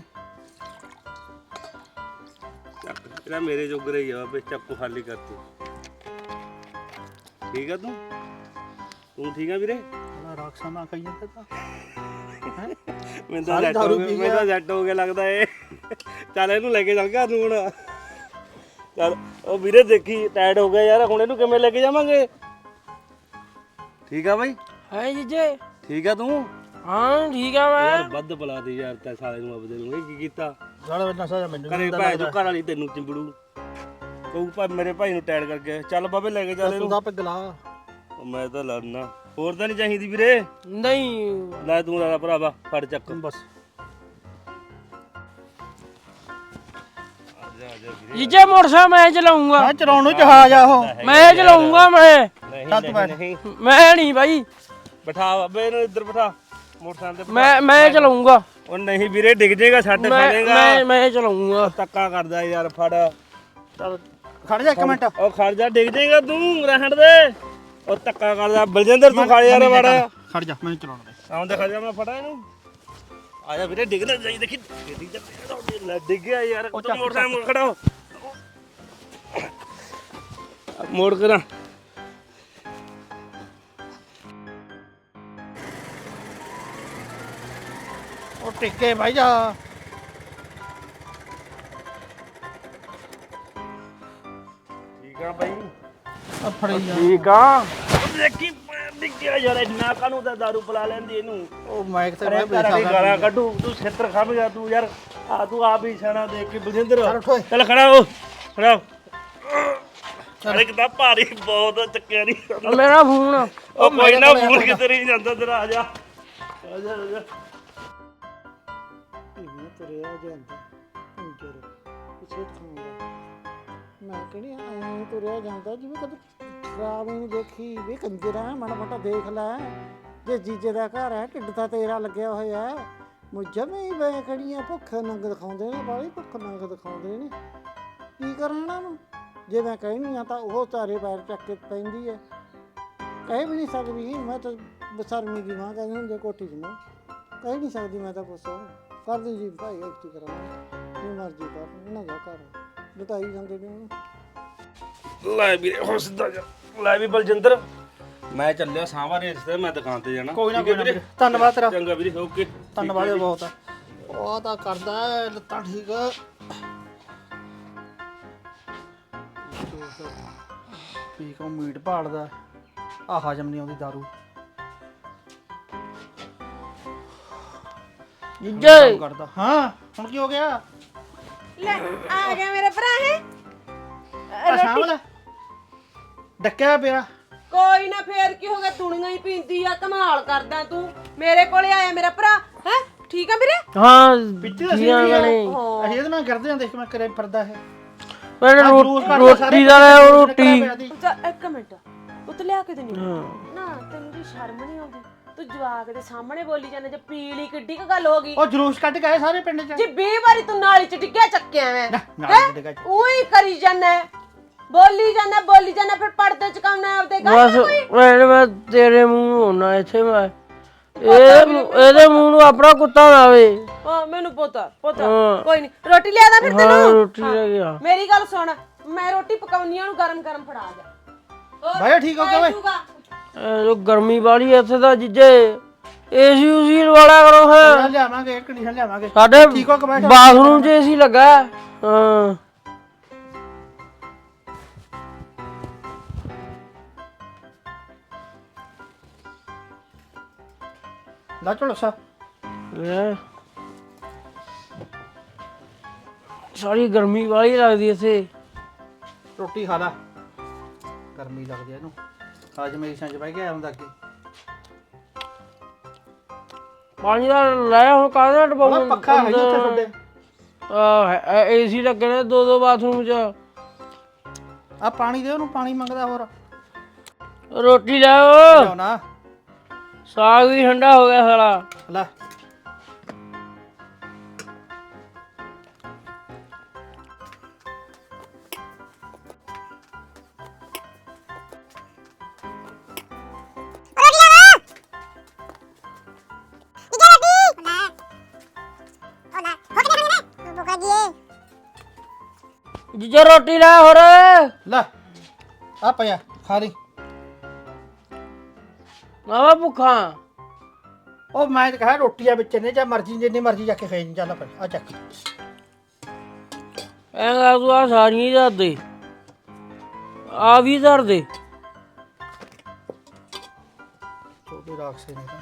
S5: ਚੱਕ ਇਹਦਾ ਮੇਰੇ ਜੋਗਰੇ ਹੀ ਆ ਬੇ ਚੱਕੂ ਖਾਲੀ ਕਰਤੀ ਠੀਕ ਆ ਤੂੰ ਤੂੰ ਠੀਕ ਆ ਵੀਰੇ
S3: ਬੜਾ ਰਾਖਸਾ ਨਾ ਕਹੀ ਜਾਂਦਾ ਤਾਂ
S5: ਮੈਨੂੰ ਤਾਂ
S3: ਸਾਰੀ
S5: ਜੱਟ
S3: ਦਾਰੂ
S5: ਹੋ
S3: ਪੀ
S5: ਗਿਆ ਮੈਨੂੰ ਤਾਂ ਜੱਟ ਹੋ ਗਿਆ ਲੱਗਦਾ ਏ ਚੱਲ ਇਹਨੂੰ ਲੈ ਕੇ ਚੱਲ ਗਿਆ ਤੂੰ ਹੁਣ ਚੱਲ ਉਹ ਵੀਰੇ ਦੇਖੀ ਟਾਇਰਡ ਹੋ ਗਿਆ ਯਾਰ ਹੁਣ ਇਹਨੂੰ ਕਿਵੇਂ ਲੈ ਕੇ ਜਾਵਾਂਗੇ ਠੀਕ ਆ ਬਾਈ
S2: ਹੈ ਜੀਜੇ
S5: ਠੀਕ ਆ ਤੂੰ
S2: ਹਾਂ ਠੀਕ ਆ ਮੈਂ
S5: ਯਾਰ ਵੱਧ ਬੁਲਾ ਦੇ ਯਾਰ ਤੈ ਸਾਲੇ ਨੂੰ ਆਪਦੇ ਨੂੰ ਇਹ ਕੀ ਕੀਤਾ
S3: ਸਾਲਾ ਨਸ਼ਾ ਮੈਨੂੰ
S5: ਕਰੇ ਭਾਈ ਤੂੰ ਘਰ ਵਾਲੀ ਤੈਨੂੰ ਚਿੰਬੜੂ ਕਹੂ ਭਾਈ ਮੇਰੇ ਭਾਈ ਨੂੰ ਟਾਇਰਡ ਕਰਕੇ ਚੱਲ ਬਾਬੇ ਲੈ ਕੇ ਚੱਲ
S3: ਤੂੰ
S5: ਇਹਨੂੰ
S3: ਦਾ ਪੈਗ ਲਾ
S5: ਉਹ ਮੈਂ ਤਾਂ ਲੜਨਾ ਹੋਰ ਤਾਂ ਨਹੀਂ ਚਾਹੀਦੀ ਵੀਰੇ
S2: ਨਹੀਂ
S5: ਲੈ ਤੂੰ ਲਾ ਭਰਾਵਾ ਫੜ ਚੱਕ
S3: ਬਸ
S2: ਜੀਜੇ ਮੋਟਰਸਾਈਕਲ ਮੈਂ ਚਲਾਉਂਗਾ
S3: ਮੈਂ ਚਲਾਉਣ ਨੂੰ ਜਹਾਜ਼ ਆ ਉਹ
S2: ਮੈਂ ਚਲਾਉਂਗਾ ਮੈਂ
S3: ਚੱਲ ਤੂੰ ਬੈਠ
S5: ਨਹੀਂ
S2: ਮੈਂ ਨਹੀਂ ਬਾਈ
S5: ਬਿਠਾ ਬਾਬੇ ਇਹਨੂੰ ਇੱਧਰ ਬਿਠਾ ਮੋਟਰਸਾਈਕਲ ਤੇ
S2: ਮੈਂ ਮੈਂ ਚਲਾਉਂਗਾ
S5: ਉਹ ਨਹੀਂ ਵੀਰੇ ਡਿੱਗ ਜਾਏਗਾ ਛੱਡ
S2: ਮੈਂ
S5: ਫੜੇਗਾ
S2: ਮੈਂ ਮੈਂ ਚਲਾਉਂਗਾ
S5: ਧੱਕਾ ਕਰਦਾ ਯਾਰ ਫੜ
S3: ਚੱਲ ਖੜ ਜਾ ਇੱਕ ਮਿੰਟ
S5: ਉਹ ਖੜ ਜਾ ਡਿੱਗ ਜਾਏਗਾ ਤੂੰ ਰਹਿਣ ਦੇ ਉਹ ਧੱਕਾ ਕਰਦਾ ਬਲਜਿੰਦਰ ਤੂੰ ਖੜ ਯਾਰ ਵੜ
S3: ਖੜ ਜਾ ਮੈਨੂੰ ਚਲਾਉਣ ਦੇ
S5: ਆਉਂਦੇ ਖੜ ਜਾ ਮੈਂ ਫੜਾ ਇਹਨੂੰ ਆ ਜਾ ਵੀਰੇ ਡਿੱਗ ਨਾ ਜਾਈ ਦੇਖੀ ਡਿੱਗ ਜਾ ਲੈ ਡਿੱਗ ਗਿਆ ਯਾਰ ਤੂੰ ਮੋਟਰਸਾਈਕਲ ਖੜਾ ਹੋ ਮੋੜ ਕਰਾਂ
S3: ਉਹ ਟਿੱਕੇ ਭਾਈ ਜਾ ਆ ਫੜੀ ਜਾ
S2: ਠੀਕ ਆ
S5: ਦੇਖੀ ਨਿੱਕਿਆ ਯਾਰ ਇੰਨਾ ਕਾਨੂੰ ਤਾਂ ਦਾਰੂ ਪਿਲਾ ਲੈਂਦੀ ਇਹਨੂੰ
S3: ਉਹ ਮਾਈਕ ਤੇ
S5: ਅਰੇ
S3: ਮੈਂ
S5: ਘਰ ਵਾਲੀ
S3: ਬੇਸਾ
S5: ਗਾਲਾਂ ਕੱਢੂ ਤੂੰ ਛੇਤਰ ਖਾਵੇਂਗਾ ਤੂੰ ਯਾਰ ਆ ਤੂੰ ਆਪ ਹੀ ਸਿਆਣਾ ਦੇਖ ਕੇ ਬਲਜਿੰਦਰ
S3: ਚੱਲ ਉੱਠ ਓਏ।
S5: ਚੱਲ ਖੜਾ ਹੋ ਖੜਾ ਹੋ। ਅਰੇ ਕਿਤਾ ਭਾਰੀ ਬਹੁਤ ਚੱਕਿਆ ਨਹੀਂ
S2: ਮੇਰਾ ਫੋਨ
S5: ਉਹ ਕੋਈ ਨਾ ਫੋਨ ਕਿਤੇ ਨਹੀਂ ਜਾਂਦਾ ਤੇਰਾ ਆ ਜਾ ਆ ਜਾ ਆ ਜਾ
S6: ਇਹ ਤੁਰਿਆ ਜਾਂਦਾ ਅੰਜਰ ਕਿਸੇ ਥਾਂ ਮੈਂ ਕਹਿੰਦੀ ਐਂ ਤੁਰਿਆ ਜਾਂਦਾ ਜਿਵੇਂ ਕਦੇ ਖਰਾਬ ਹੀ ਨਹੀਂ ਦੇਖੀ ਵੀ ਕੰਜਰਾ ਮਾੜਾ ਮੋਟਾ ਦੇਖ ਲੈ ਜੇ ਜੀਜੇ ਦਾ ਘਰ ਹੈ ਢਿੱਡ ਤਾਂ ਤੇਰਾ ਲੱਗਿਆ ਹੋਇਆ ਮੁਝੇ ਵੀ ਵੇ ਕੜੀਆਂ ਭੁੱਖ ਨੰਗ ਦਿਖਾਉਂਦੇ ਨੇ ਬਾਲੀ ਭੁੱਖ ਨੰਗ ਦਿਖਾਉਂਦੇ ਨੇ ਕੀ ਕਰਾਂ ਇਹਨਾਂ ਨੂੰ ਜੇ ਮੈਂ ਕਹਿਣੀ ਆ ਤਾਂ ਉਹ ਚਾਰੇ ਪੈਰ ਚੱਕ ਕੇ ਪੈਂਦੀ ਹੈ ਕਹਿ ਵੀ ਨਹੀਂ ਸਕਦੀ ਮੈਂ ਤਾਂ ਬਸਰਮੀ ਦੀ ਮਾਂ ਕਹਿੰਦੀ ਹੁੰਦੀ ਕੋਠੀ 'ਚ ਮੈਂ ਕਹਿ ਨਹੀਂ ਸਕਦੀ ਮੈਂ ਤਾਂ ਪੁੱਛੋ ਕਰ ਦੇ ਜੀ ਭਾਈ ਐਕਟੀ ਕਰਾਉਣਾ ਜੋ ਮਰਜ਼ੀ ਕਰ ਇਹਨਾਂ ਦਾ ਘਰ ਲਟਾਈ ਜਾਂਦੇ ਨੇ ਉਹਨੂੰ
S5: ਲੈ ਵੀਰੇ ਹੁਣ ਸਿੱਧਾ ਜਾ ਲੈ ਵੀ ਬਲਜਿੰਦਰ ਮੈਂ ਚੱਲਿਆ ਸਾਂਵਾ ਰੇਸ ਤੇ ਮੈਂ ਦੁਕਾਨ ਤੇ ਜਾਣਾ
S3: ਕੋਈ ਨਾ
S5: ਠੀਕ ਹੈ
S3: ਕੋਈ ਨਾ
S5: ਵੀਰੇ?
S3: ਵੀਰੇ, ਧੰਨਵਾਦ ਤੇਰਾ
S5: ਚੰਗਾ ਵੀਰੇ ਓਕੇ
S3: ਧੰਨਵਾਦ ਬਹੁਤ ਆ ਉਹ ਤਾਂ ਕਰਦਾ ਹੈ, ਲੱਤਾਂ ਠੀਕ ਆ ਪੀ ਕੋ ਮੀਟ ਭਾਲਦਾ ਆ ਹਜਮ ਨਹੀਂ ਆਉਂਦੀ ਦਾਰੂ
S2: ਜੀਜੇ
S3: ਕਰਦਾ ਹਾਂ ਹੁਣ ਕੀ ਹੋ ਗਿਆ
S1: ਲੈ ਆ ਗਿਆ ਮੇਰੇ ਭਰਾ ਹੈ
S3: ਆ ਸ਼ਾਮਲ ਡੱਕਿਆ ਪਿਆ
S1: ਕੋਈ ਨਾ ਫੇਰ ਕੀ ਹੋ ਗਿਆ ਦੁਨੀਆ ਹੀ ਪੀਂਦੀ ਆ ਕਮਾਲ ਕਰਦਾ ਤੂੰ ਮੇਰੇ ਕੋਲੇ ਆਇਆ ਮੇਰਾ ਭਰਾ ਹੈ ਠੀਕ ਆ ਵੀਰੇ
S2: ਹਾਂ
S3: ਪਿੱਛੇ ਅਸੀਂ
S2: ਜੀਆਂ
S3: ਵੀ
S2: ਵਾਲੇ
S3: ਅਸੀਂ ਇਹਦੇ ਨਾਲ ਕਰਦੇ ਹਾਂ ਦੇਖ ਮੈਂ ਕਰੇ ਫਿਰਦਾ ਹੈ
S2: ਮੈਂ
S3: ਆਹ ਜਲੂਸ ਕੱਢ ਕੇ ਸਾਰੇ
S2: ਰੋਟੀ ਦਾ ਲੈ ਉਹ
S3: ਨਿਕਲਿਆ
S2: ਰੋਟੀ
S3: ਪਿਆ ਦੀ।
S1: ਚੱਲ ਇੱਕ ਮਿੰਟ ਉੱਤ ਲਿਆ ਕੇ ਦੇਣੀ ਨਾ ਤੈਨੂੰ ਜੀ ਸ਼ਰਮ ਨਹੀਂ ਆਉਂਦੀ ਤੂੰ ਜਵਾਕ ਦੇ ਸਾਹਮਣੇ ਬੋਲੀ ਜਾਂਦਾ ਜੇ ਪੀਲੀ ਕਿੱਡੀ ਕ ਗੱਲ ਹੋ ਗਈ
S3: ਉਹ ਜਲੂਸ ਕੱਢ ਕੇ ਆਏ ਸਾਰੇ ਪਿੰਡ ਚ
S1: ਜੀ ਵੀਹ ਵਾਰੀ ਤੂੰ ਨਾਲੀ ਚ ਡਿੱਗਿਆ ਚੱਕਿਆ ਮੈਂ
S3: ਨਾਲ ਡਿੱਗਾ
S1: ਉਹੀ ਕਰੀ ਜਾਂਦਾ ਬੋਲੀ ਜਾਂਦਾ ਬੋਲੀ ਜਾਂਦਾ ਫਿਰ ਪਰਦੇ ਚ ਕਾਉਣਾ ਆਪਦੇ
S2: ਬਸ
S1: ਗੱਲ
S2: ਮੈਂ ਮੈਂ ਤੇਰੇ ਮੂੰਹ ਨੂੰ ਹੋਣਾ ਇੱਥੇ ਮੈਂ ਇਹ ਮੂੰਹ- ਇਹਦੇ ਮੂੰਹ ਨੂੰ ਆਪਣਾ ਕੁੱਤਾ ਨਾ ਆਵੇ
S1: ਹਾਂ ਮੈਨੂੰ ਪਤਾ ਪਤਾ
S2: ਹਾਂ।
S1: ਕੋਈ ਨਹੀਂ ਰੋਟੀ ਲਿਆ ਦਾ ਫਿਰ
S2: ਹਾਂ
S1: ਤੈਨੂੰ
S2: ਰੋਟੀ ਲੈ ਗਿਆ
S1: ਮੇਰੀ ਗੱਲ ਸੁਣ ਮੈਂ ਰੋਟੀ ਪਕਾਉਣੀ ਆ ਉਹਨੂੰ ਗਰਮ ਗਰਮ ਫੜਾ ਜਾ ਹੋਰ
S3: ਭਾਈ ਠੀਕ ਹੋ ਗਿਆ ਓਏ
S1: ਜਾਊਗਾ।
S2: ਇਹ ਜੋ ਗਰਮੀ ਵਾਲੀ ਇੱਥੇ ਦਾ ਜਿੱਜੇ ਏਸੀ ਉਸੀ ਵਾਲਾ ਕਰੋ ਹੈ
S3: ਲਿਆਵਾਂਗੇ ਇੱਕ ਕੰਡੀਸ਼ਨ ਲਿਆਵਾਂਗੇ
S2: ਸਾਡੇ
S3: ਠੀਕ ਹੋ ਕੇ ਬੈਠ
S2: ਬਾਥਰੂਮ 'ਚ ਏਸੀ ਲੱਗਾ ਹੈ। ਹਾਂ
S3: ਲਾ ਚਲੋ ਸਾ
S2: ਲੈ ਸਾਰੀ ਗਰਮੀ ਵਾਲੀ ਲੱਗਦੀ ਇੱਥੇ
S3: ਰੋਟੀ ਖਾ ਲਾ ਗਰਮੀ ਲੱਗਦੀ ਐ ਇਹਨੂੰ ਅੱਜ ਮੇਰੀ ਸੰਜ ਬਹਿ ਗਿਆ ਹੁੰਦਾ ਅੱਗੇ
S2: ਪਾਣੀ ਦਾ ਲੈ ਹੁਣ ਕਾਹਦੇ ਨਾਲ
S3: ਉਹ
S2: ਡਬਾਉਂ
S3: ਪੱਖਾ ਹੈ ਜੀ ਉੱਥੇ ਤੁਹਾਡੇ
S2: ਆ ਏਸੀ ਲੱਗੇ ਨੇ ਦੋ ਦੋ ਬਾਥਰੂਮ 'ਚ
S3: ਆ ਪਾਣੀ ਦੇ ਉਹਨੂੰ ਪਾਣੀ ਮੰਗਦਾ ਹੋਰ
S2: ਰੋਟੀ ਲੈ
S3: ਲਿਆਓ ਨਾ
S2: ਸਾਗ ਵੀ ਠੰਡਾ ਹੋ ਗਿਆ ਸਾਲਾ
S3: ਲੈ
S2: ਜੀਜਾ ਰੋਟੀ ਲੈ ਹੋਰ
S3: ਲੈ ਆ ਪਿਆ ਖਾ ਲਈ
S2: ਮਾਵਾ ਭੁੱਖਾ
S3: ਉਹ ਮੈਂ ਤਾਂ ਕਹਾ ਰੋਟੀਆਂ ਵਿੱਚ ਨੇ ਜਾਂ ਮਰਜ਼ੀ ਜਿੰਨੀ ਮਰਜ਼ੀ ਜਾ ਕੇ ਖਾਈ ਨਹੀਂ ਚੱਲ ਫਿਰ ਆ ਚੱਕ
S2: ਐਂਗਾ ਤੂੰ ਆ ਸਾਰੀਆਂ ਧਰ ਦੇ ਆ ਵੀ ਧਰ ਦੇ
S3: ਛੋਟੇ ਰਾਖਸੇ ਨੇ ਤਾਂ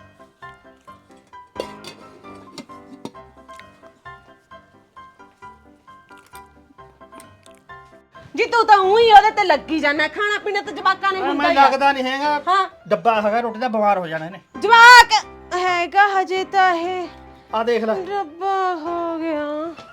S1: ਜੀ ਤੂੰ ਤਾਂ ਉਹੀ ਉਹਦੇ ਤੇ ਲੱਗੀ ਜਾਂਦਾ ਖਾਣਾ ਪੀਣਾ ਤਾਂ ਜਵਾਕਾਂ ਨੇ ਹੁੰਦਾ
S3: ਮੈਂ
S1: ਹੀ ਆ।
S3: ਲੱਗਦਾ ਨਹੀਂ ਹੈਗਾ
S1: ਹਾਂ
S3: ਡੱਬਾ ਹੈਗਾ ਰੋਟੀ ਦਾ ਬਿਮਾਰ ਹੋ ਜਾਣਾ ਇਹਨੇ
S1: ਜਵਾਕ ਹੈਗਾ ਹਜੇ ਤਾਂ ਇਹ
S3: ਆ ਦੇਖ ਲੈ
S1: ਰੱਬਾ ਹੋ ਗਿਆ